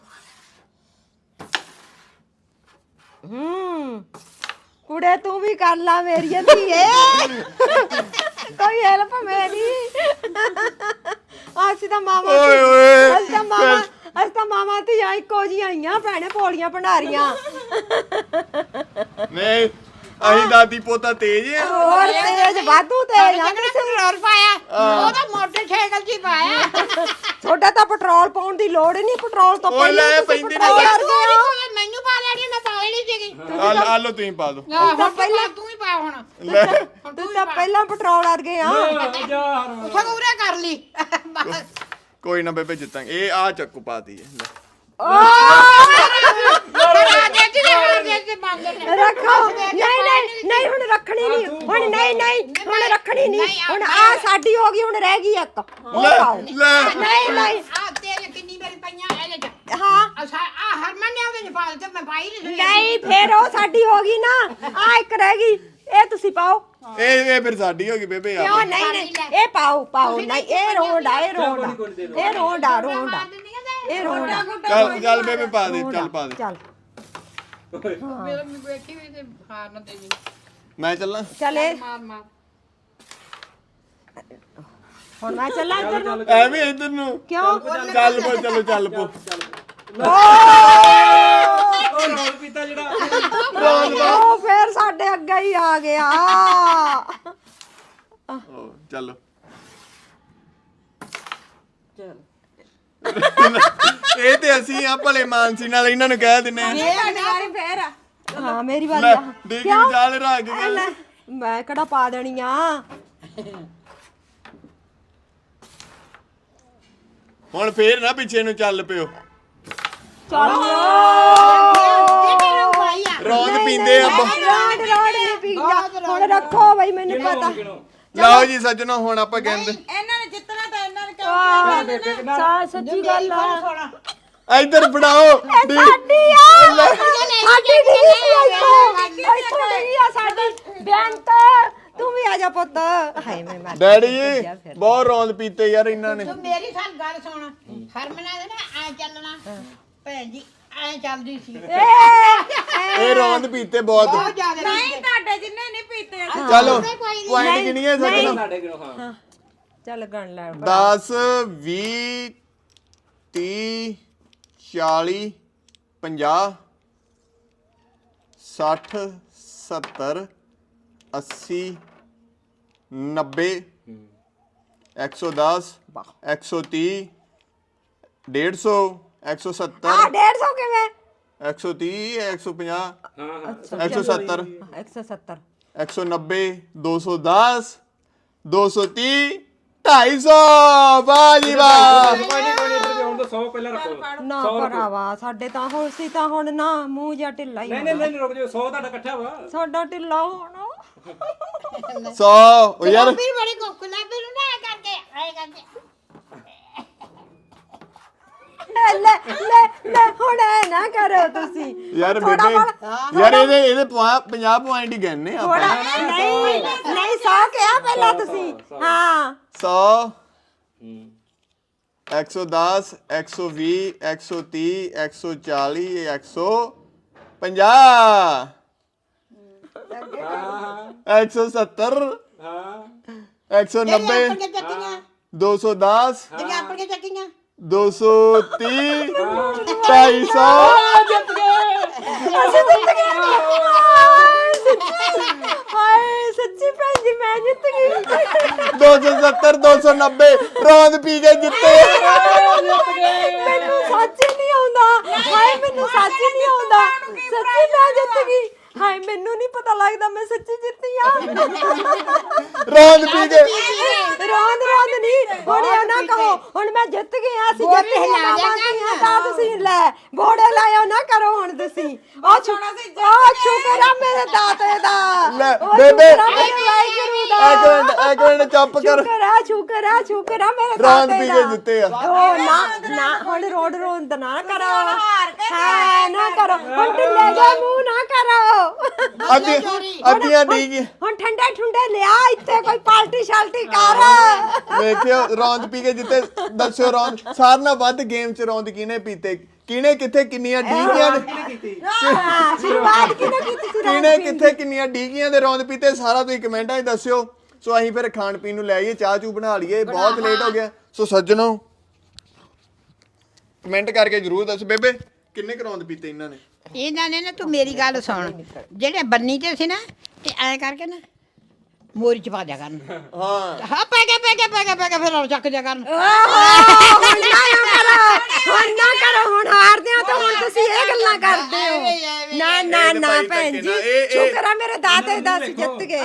Speaker 2: ਹੂੰ ਕੁੜੇ ਤੂੰ ਵੀ ਕਰ ਲਾ ਮੇਰੀ ਧੀਏ ਕੋਈ ਹੈਲਪ ਮੇਰੀ ਅਸੀਂ ਤਾਂ ਮਾਮਾ
Speaker 1: ਓਏ ਓਏ
Speaker 2: ਅਸੀਂ ਤਾਂ ਮਾਮਾ ਅਸੀਂ ਤਾਂ ਮਾਮਾ ਧੀਆਂ ਇੱਕੋ ਜਿਹੀਆਂ ਆਈਆਂ ਭੈਣੇ ਪੌੜੀਆਂ ਭੰਡਾਰੀਆਂ
Speaker 1: ਨਹੀਂ ਅਸੀਂ ਦਾਦੀ ਪੋਤਾ ਤੇਜ ਆ
Speaker 2: ਹੋਰ ਤੇਜ ਵਾਧੂ ਤੇਜ ਆ
Speaker 3: ਕਿਹੜਾ ਪੈਟਰੋਲ ਪਾਇਆ ਉਹ ਤਾਂ ਮੋਟਰਸਾਈਕਲ 'ਚ ਹੀ ਪਾਇਆ
Speaker 2: ਤੁਹਾਡਾ ਤਾਂ ਪੈਟਰੋਲ ਪਾਉਣ ਦੀ ਲੋੜ ਹੀ ਨਹੀਂ ਪੈਟਰੋਲ ਤੋਂ
Speaker 1: ਓਏ ਲੈ,
Speaker 2: ਪਹਿਲਾਂ ਤੁਸੀਂ
Speaker 1: ਪੈਂਦੀ
Speaker 2: ਪੈਟਰੋਲ
Speaker 1: ਨਹੀਂ।
Speaker 2: ਕਰ ਗਏ ਹੋ।
Speaker 3: ਮੈਨੂੰ ਪਾ ਲੈਣੀ ਮੈਂ ਪਾ ਲੈਣੀ ਸੀਗੀ
Speaker 1: ਆ ਆ ਲੋ ਤੁਸੀਂ ਪਾ ਦੋ
Speaker 3: ਆਹ, ਹੁਣ ਪਹਿਲਾਂ ਤੂੰ ਹੀ ਪਾ ਹੁਣ
Speaker 1: ਲੈ
Speaker 2: ਤੁਸੀਂ ਤਾਂ ਪਹਿਲਾਂ ਪੈਟਰੋਲ ਕਰ ਗਏ ਆ
Speaker 4: ਜਾ ਹਰ
Speaker 3: ਉੱਥੇ ਪੂਰਾ ਕਰ ਲਈ ਬਸ
Speaker 1: ਕੋਈ ਨਾ ਬੇਬੇ ਜਿੱਤਾਂਗੇ ਇਹ ਆ ਚੱਕੂ ਪਾਤੀ ਹੈ ਲੈ।
Speaker 3: ਬਣਾ ਦੇ ਤੇ ਹਾਰ ਦੇ ਤੇ ਬੰਦ ਨੇ
Speaker 2: ਰੱਖੋ ਨਹੀਂ ਨਹੀਂ ਨਹੀਂ ਹੁਣ ਰੱਖਣੀ ਨਹੀਂ ਹੁਣ ਨਹੀਂ ਨਹੀਂ ਹੁਣ ਰੱਖਣੀ ਨਹੀਂ ਹੁਣ ਆ ਸਾਡੀ ਹੋ ਗਈ ਹੁਣ ਰਹਿ ਗਈ ਇੱਕ ਉਹ
Speaker 1: ਲੈ
Speaker 2: ਪਾਓ
Speaker 1: ਲੈ
Speaker 2: ਨਹੀਂ ਨਹੀਂ
Speaker 3: ਆ ਤੇਰੇ ਕਿੰਨੀ ਵਾਰੀ ਪਈਆਂ ਇਹਦੇ 'ਚ
Speaker 2: ਹਾਂ
Speaker 3: ਅੱਛਾ ਆ ਹਰਮਨ ਨੇ ਉਹਦੇ 'ਚ ਪਾ ਦਿੱਤੇ ਮੈਂ ਪਾਈ ਨਹੀਂ ਸੀ
Speaker 2: ਨਹੀਂ ਫੇਰ ਉਹ ਸਾਡੀ ਹੋ ਗਈ ਨਾ ਆ ਇੱਕ ਰਹਿ ਗਈ ਇਹ ਤੁਸੀਂ ਪਾਓ
Speaker 1: ਇਹ ਇਹ ਫਿਰ ਸਾਡੀ ਹੋ ਗਈ ਬੇਬੇ ਆ
Speaker 2: ਕਿਉਂ ਨਹੀਂ ਨਹੀਂ ਇਹ ਪਾਓ ਪਾਓ ਨਹੀਂ ਇਹ ਰੋਂਡ ਆ ਇਹ ਰੋਂਡ ਆ ਇਹ ਰੋਂਡ ਆ ਰੋਂਡ ਆ ਇਹ ਰੋਂਡ ਆ
Speaker 1: ਚੱਲ ਚੱਲ ਬੇਬੇ ਪਾ ਦੇ ਚੱਲ ਪਾ ਦੇ
Speaker 2: ਚੱਲ
Speaker 3: ਮੇਰੇ ਨੂੰ ਵੇਖੀ ਵੀ ਤੇ ਹਾਰ ਨਾ ਦੇਣੀ
Speaker 1: ਮੈਂ ਚੱਲਾਂ
Speaker 2: ਚੱਲ ਇਹ
Speaker 3: ਮਾਰ ਮਾਰ
Speaker 2: ਹੁਣ ਮੈਂ ਚੱਲਾਂ ਇੱਧਰ ਨੂੰ
Speaker 1: ਐਵੇਂ ਇੱਧਰ ਨੂੰ
Speaker 2: ਕਿਉਂ
Speaker 1: ਚੱਲ ਪੋ ਚਲੋ ਚੱਲ ਪੋ
Speaker 4: ਉਹ ਰੋਲ ਪੀਤਾ ਜਿਹੜਾ
Speaker 2: ਉਹ ਫੇਰ ਸਾਡੇ ਅੱਗੇ ਹੀ ਆ ਗਿਆ
Speaker 1: ਓ ਚਲੋ ਇਹ ਤੇ ਅਸੀਂ ਆ ਭਲੇ ਮਾਨਸੀ ਨਾਲ ਇਹਨਾਂ ਨੂੰ ਕਹਿ ਦਿੰਨੇ ਆ
Speaker 2: ਇਹ ਵਾਰੀ ਫੇਰ ਹਾਂ ਮੇਰੀ ਵਾਰੀ
Speaker 1: ਲੈ
Speaker 2: ਆ
Speaker 1: ਦੇਖੀ ਜਾਲ ਰੱਖ ਗਏ
Speaker 2: ਮੈਂ ਕਿਹੜਾ ਪਾ ਦੇਣੀ ਆ।
Speaker 1: ਹੁਣ ਫੇਰ ਨਾ ਪਿੱਛੇ ਨੂੰ ਚੱਲ ਪਿਓ।
Speaker 3: ਜਿਹੜੇ ਨੂੰ ਪਾਈ ਆ
Speaker 1: ਰੌਂਦ ਪੀਂਦੇ ਆ ਬ-
Speaker 2: ਰੋਡ ਰੋਡ ਨਹੀਂ ਪੀਂਦਾ। ਹੁਣ ਰੱਖੋ ਬਈ ਮੈਨੂੰ ਪਤਾ।
Speaker 1: ਲਓ ਜੀ ਸੱਜਣੋ ਹੁਣ ਆਪਾਂ ਕਹਿੰਦੇ
Speaker 5: ਇਹਨਾਂ ਨੇ ਜਿੱਤਣਾ ਤਾਂ ਇਹਨਾਂ ਨੇ ਕਿਉਂ
Speaker 2: ਸਾ ਸੱਚੀ ਗੱਲ ਆ।
Speaker 1: ਇੱਧਰ ਫੜਾਓ ਡੀ-
Speaker 2: ਸਾਡੀ ਆ ਸਾਡੀ ਡਿੱਗੀ ਸੀ ਇੱਥੋਂ ਇੱਥੋਂ ਡਿੱਗੀ ਆ ਸਾਡੀ ਬੈਂਤ। ਤੂੰ ਵੀ ਆ ਜਾ ਪੁੱਤ। ਹਾਏ ਮੈਂ ਮਰ
Speaker 1: ਡੈਡੀ ਜੀ ਬਹੁਤ ਰੌਂਦ ਪੀਤੇ ਯਾਰ ਇਹਨਾਂ ਨੇ।
Speaker 3: ਤੂੰ ਮੇਰੀ ਸਾਲ ਗੱਲ ਸੁਣ ਹਰਮਨਾ ਦੇ ਨਾ ਐ ਚੱਲਣਾ ਭੈਣ ਜੀ ਐ ਚੱਲਦੀ ਸੀ
Speaker 1: ਇਹ ਰੌਂਦ ਪੀਤੇ ਬਹੁਤ।
Speaker 3: ਬਹੁਤ ਜ਼ਿਆਦਾ
Speaker 5: ਨਹੀਂ ਤੁਹਾਡੇ ਜਿੰਨੇ ਨਹੀਂ ਪੀਤੇ ਅਸੀਂ।
Speaker 1: ਚਲੋ
Speaker 3: ਕੋਈ ਨੀ।
Speaker 1: ਪੁਆਇੰਟ ਕਿੰਨੀਆਂ ਸੱਜਣੋ?
Speaker 4: ਸਾਡੇ ਕਿਉਂ ਹਾਂ
Speaker 2: ਚੱਲ ਗਣ ਲੈ।
Speaker 1: ਦਸ ਵੀਹ ਤੀਹ ਚਾਲੀ ਪੰਜਾਹ ਸੱਠ ਸੱਤਰ ਅੱਸੀ ਨੱਬੇ ਇੱਕ ਸੌ ਦਸ ਇੱਕ ਸੌ ਤੀਹ ਡੇਢ ਸੌ ਇੱਕ ਸੌ
Speaker 2: ਆ
Speaker 1: ਸੱਤਰ
Speaker 2: ਡੇਢ ਸੌ ਕਿਵੇਂ?
Speaker 1: ਇੱਕ ਸੌ ਤੀਹ ਇੱਕ ਸੌ ਪੰਜਾਹ
Speaker 4: ਹਾਂ ਹਾਂ
Speaker 1: ਇੱਕ ਸੌ ਸੱਤਰ
Speaker 2: ਇੱਕ ਸੌ ਸੱਤਰ
Speaker 1: ਇੱਕ ਸੌ ਨੱਬੇ ਦੋ ਸੌ ਦਸ ਦੋ ਸੌ ਤੀਹ ਢਾਈ ਸੌ। ਵਾਹ ਜੀ ਵਾਹ।
Speaker 4: ਕੋਈ ਨਹੀਂ ਕੋਈ ਨਹੀਂ ਇੱਧਰ ਵੀ ਆਉਣ ਤੋਂ ਸੌ ਪਹਿਲਾਂ ਰੱਖੋ
Speaker 2: ਨਾ ਭਰਾਵਾ ਸਾਡੇ ਤਾਂ ਹੁਣ ਸੀ ਤਾਂ ਹੁਣ ਨਾ ਮੂੰਹ ਜਿਹਾ ਢਿੱਲਾ ਹੀ
Speaker 4: ਨਹੀਂ ਨਹੀਂ ਨਹੀਂ ਰੁਕ ਜਾਓ ਸੌ ਤੁਹਾਡਾ ਇਕੱਠਾ ਵਾ
Speaker 2: ਸਾਡਾ ਢਿੱਲਾ ਹੋਣਾ।
Speaker 1: ਸੌ ਉਹ ਯਾਰ
Speaker 3: ਵੀ ਬੜੀ ਕੋਕਲਾ ਵੀ ਨੂੰ ਨਾ ਐ ਕਰਕੇ ਐ ਕਰਕੇ
Speaker 2: ਲੈ ਲੈ ਲੈ ਲੈ ਹੁਣ ਐ ਨਾ ਕਰੋ ਤੁਸੀਂ।
Speaker 1: ਯਾਰ
Speaker 2: ਥੋੜ੍ਹਾ
Speaker 1: ਬੇਬੇ
Speaker 2: ਬਹੁਤ-
Speaker 1: ਯਾਰ ਇਹਦੇ ਇਹਦੇ ਪੰਜਾਹ ਪੁਆਇੰਟ ਹੀ ਗਏ ਆਪਾਂ।
Speaker 2: ਥੋੜਾ ਨਹੀਂ ਨਹੀਂ ਸੌ ਕਿਹਾ ਪਹਿਲਾਂ ਤੁਸੀਂ। ਹਾਂ
Speaker 1: ਸੌ ਇੱਕ ਸੌ ਦਸ ਇੱਕ ਸੌ ਵੀਹ ਇੱਕ ਸੌ ਤੀਹ ਇੱਕ ਸੌ ਚਾਲੀ ਇੱਕ ਸੌ ਪੰਜਾਹ ਇੱਕ ਸੌ ਸੱਤਰ
Speaker 4: ਹਾਂ
Speaker 1: ਇੱਕ ਸੌ ਨੱਬੇ
Speaker 3: ਆਪਣੀਆਂ ਚੱਕੀਆਂ
Speaker 1: ਦੋ ਸੌ ਦਸ
Speaker 3: ਜਿਹੜੀਆਂ ਆਪਣੀਆਂ ਚੱਕੀਆਂ
Speaker 1: ਦੋ ਸੌ ਤੀਹ ਢਾਈ ਸੌ।
Speaker 2: ਅਸੀਂ ਜਿੱਤ ਗਏ। ਹਾਏ ਸੱਚੀ ਹਾਏ ਸੱਚੀ ਭੈਣ ਜੀ ਮੈਂ ਜਿੱਤ ਗਈ।
Speaker 1: ਦੋ ਸੌ ਸੱਤਰ ਦੋ ਸੌ ਨੱਬੇ ਰੌਂਦ ਪੀ ਕੇ ਜਿੱਤੇ।
Speaker 2: ਮੈਨੂੰ ਸੱਚ ਹੀ ਨਹੀਂ ਆਉਂਦਾ। ਹਾਏ ਮੈਨੂੰ ਸੱਚ ਹੀ ਨਹੀਂ ਆਉਂਦਾ। ਸੱਚੀ ਮੈਂ ਜਿੱਤ ਗਈ। ਹਾਏ ਮੈਨੂੰ ਨਹੀਂ ਪਤਾ ਲੱਗਦਾ ਮੈਂ ਸੱਚੀ ਜਿੱਤੀ ਆ।
Speaker 1: ਰੌਂਦ ਪੀ ਕੇ
Speaker 2: ਰੌਂਦ ਰੌਂਦ ਨਹੀਂ ਹੁਣ ਇਹ ਨਾ ਕਹੋ ਹੁਣ ਮੈਂ ਜਿੱਤ ਗਈ ਆ। ਅਸੀਂ ਜਿੱਤ
Speaker 3: ਬੋੜੇ ਲਾ ਦਿਆ
Speaker 2: ਗਏ ਤਾਂ ਤੁਸੀਂ ਲੈ ਬੋੜੇ ਲਾਇਓ ਨਾ ਕਰੋ ਹੁਣ ਤੁਸੀਂ। ਉਹ ਛੋਣਾ ਸੀ ਉਹ ਸ਼ੁਕਰ ਆ ਮੇਰੇ ਦਾਤੇ ਦਾ।
Speaker 1: ਲੈ,
Speaker 2: ਉਹ
Speaker 1: ਬੇਬੇ।
Speaker 2: ਸ਼ੁਕਰ ਆ ਮੇਰੇ ਵਾਹਿਗੁਰੂ ਦਾ।
Speaker 1: ਇੱਕ ਮਿੰਟ ਇੱਕ ਮਿੰਟ ਚੁੱਪ ਕਰ।
Speaker 2: ਸ਼ੁਕਰ ਆ ਸ਼ੁਕਰ ਆ ਸ਼ੁਕਰ ਆ ਮੇਰੇ
Speaker 1: ਰੌਂਦ
Speaker 2: ਦਾਤੇ
Speaker 1: ਪੀ
Speaker 2: ਦਾ।
Speaker 1: ਕੇ ਜਿੱਤੇ ਆ।
Speaker 2: ਉਹ ਨਾ ਨਾ ਹੁਣ ਰੋਡ ਰੋਂਦ ਨਾ ਕਰੋ। ਹਾਂ ਨਾ ਕਰੋ ਹੁਣ ਢਿੱਲੇ ਜਾ ਮੂੰਹ ਨਾ ਕਰੋ।
Speaker 1: ਅੱਧੀ ਅੱਧੀਆਂ ਡੀਗੀਆਂ
Speaker 2: ਹੁਣ ਠੰਡੇ ਠੁੰਡੇ ਲਿਆ ਇੱਥੇ ਕੋਈ ਪਾਰਟੀ ਸ਼ਾਲਟੀ ਕਰ।
Speaker 1: ਵੇਖਿਓ ਰੌਂਦ ਪੀ ਕੇ ਜਿੱਤੇ। ਦੱਸਿਓ ਰੌਂਦ ਸਾਰਿਆਂ ਨਾਲੋਂ ਵੱਧ ਗੇਮ ਚ ਰੌਂਦ ਕਿਹਨੇ ਪੀਤੇ ਕਿਹਨੇ ਕਿੱਥੇ ਕਿੰਨੀਆਂ ਡੀਗੀਆਂ ਨੇ
Speaker 2: ਹਾਂ ਸ਼ੁਰੂਆਤ ਕਿਹਨੇ ਕੀਤੀ ਸੀ?
Speaker 1: ਕਿਹਨੇ ਕਿੱਥੇ ਕਿੰਨੀਆਂ ਡੀਗੀਆਂ ਦੇ ਰੌਂਦ ਪੀਤੇ ਸਾਰਾ ਤੁਸੀਂ ਕਮੈਂਟਾਂ 'ਚ ਦੱਸਿਓ। ਸੋ ਅਸੀਂ ਫਿਰ ਖਾਣ ਪੀਣ ਨੂੰ ਲੈ ਆਈਏ ਚਾਹ ਚੂ ਬਣਾ ਲਈਏ ਬਹੁਤ ਲੇਟ ਹੋ ਗਿਆ। ਸੋ ਸੱਜਣੋ ਕਮੈਂਟ ਕਰਕੇ ਜਰੂਰ ਦੱਸੋ ਬੇਬੇ ਕਿੰਨੇ ਕੁ ਰੌਂਦ ਪੀਤੇ ਇਹਨਾਂ ਨੇ।
Speaker 3: ਇਹਨਾਂ ਨੇ ਨਾ ਤੂੰ ਮੇਰੀ ਗੱਲ ਸੁਣ ਜਿਹੜੇ ਬੰਨੀ ਤੇ ਸੀ ਨਾ ਤੇ ਐ ਕਰਕੇ ਨਾ ਮੋਰੀ ਚ ਪਾ ਦਿਆ ਕਰਨ
Speaker 1: ਹਾਂ
Speaker 3: ਹਾਂ ਪੈ ਗਿਆ ਪੈ ਗਿਆ ਪੈ ਗਿਆ ਪੈ ਗਿਆ ਫਿਰ ਉਹ ਚੱਕ ਦਿਆ ਕਰਨ
Speaker 2: ਹੁਣ ਨਾ ਕਰੋ ਹੁਣ ਨਾ ਕਰੋ ਹੁਣ ਹਾਰਦੇ ਹੋ ਤਾਂ ਹੁਣ ਤੁਸੀਂ ਇਹ ਗੱਲਾਂ ਕਰਦੇ ਹੋ। ਨਾ ਨਾ ਨਾ ਭੈਣ ਜੀ ਸ਼ੁਕਰ ਆ ਮੇਰੇ ਦਾਤੇ ਦਾ ਅਸੀਂ ਜਿੱਤ ਗਏ।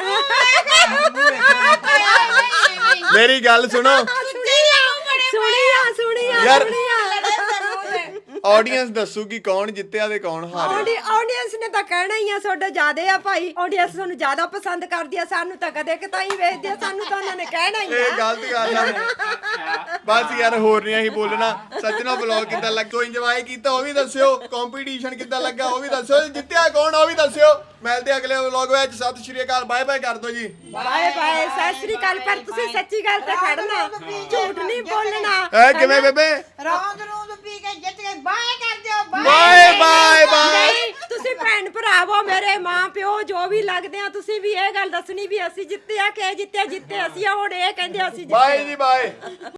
Speaker 1: ਮੇਰੀ ਗੱਲ ਸੁਣੋ
Speaker 2: ਸੁਣੀਆ ਸੁਣੀਆ
Speaker 1: ਯਾਰ-
Speaker 2: ਸੁਣੀਆ
Speaker 1: ਆਡੀਅנס ਦੱਸੂਗੀ ਕੌਣ ਜਿੱਤਿਆ ਤੇ ਕੌਣ ਹਾਰਿਆ।
Speaker 2: ਆਡੀਅנס ਨੇ ਤਾਂ ਕਹਿਣਾ ਹੀ ਆ ਤੁਹਾਡਾ ਜ਼ਿਆਦੇ ਆ ਭਾਈ। ਆਡੀਅנס ਤੁਹਾਨੂੰ ਜ਼ਿਆਦਾ ਪਸੰਦ ਕਰਦੀ ਆ ਸਾਨੂੰ ਤਾਂ ਕਦੇ ਕਿਤਾਈ ਵੇਖਦੀ ਆ ਸਾਨੂੰ ਤਾਂ ਉਹਨਾਂ ਨੇ ਕਹਿਣਾ ਹੀ
Speaker 1: ਇਹ
Speaker 2: ਆ।
Speaker 1: ਗਲਤ ਗੱਲ ਆ। ਬਸ ਯਾਰ ਹੋਰ ਨਹੀਂ ਅਸੀਂ ਬੋਲਣਾ। ਸੱਜਣਾ ਵਲੌਗ ਕਿੱਦਾਂ ਲੱਗਾ ਇੰਜੋਏ ਕੀਤਾ ਉਹ ਵੀ ਦੱਸਿਓ। ਕੰਪੀਟੀਸ਼ਨ ਕਿੱਦਾਂ ਲੱਗਾ ਉਹ ਵੀ ਦੱਸਿਓ। ਜਿੱਤਿਆ ਕੌਣ ਉਹ ਵੀ ਦੱਸਿਓ। ਮਿਲਦੇ ਅਗਲੇ ਵਲੌਗ ਵਿੱਚ। ਸਤਿ ਸ਼੍ਰੀ ਅਕਾਲ ਬਾਏ ਬਾਏ ਕਰ ਦਿਓ ਜੀ।
Speaker 2: ਬਾਏ ਬਾਏ ਸਤਿ ਸ੍ਰੀ ਅਕਾਲ। ਪਰ ਤੁਸੀਂ ਸੱਚੀ ਗੱਲ ਤੇ ਖੜਨਾ ਝੂਠ ਨਹੀਂ ਬੋਲਣਾ।
Speaker 1: ਐ ਕਿਵੇਂ ਬੇਬੇ
Speaker 3: ਰੌਂਦ ਰੂੰਦ ਪੀ ਕੇ ਜਿੱਤ ਗਏ ਬਾਏ ਕਰ ਦਿਓ
Speaker 1: ਬਾਏ ਬਾਏ ਬਾਏ।
Speaker 2: ਨਹੀਂ ਤੁਸੀਂ ਭੈਣ ਭਰਾਵੋ ਮੇਰੇ ਮਾਂ ਪਿਓ ਜੋ ਵੀ ਲੱਗਦੇ ਆ ਤੁਸੀਂ ਵੀ ਇਹ ਗੱਲ ਦੱਸਣੀ ਵੀ ਅਸੀਂ ਜਿੱਤੇ ਆ ਕਿ ਜਿੱਤੇ ਜਿੱਤੇ ਅਸੀਂ ਆ। ਹੁਣ ਇਹ ਕਹਿੰਦੇ ਅਸੀਂ ਜਿੱਤੇ
Speaker 1: ਬਾਏ ਜੀ ਬਾਏ।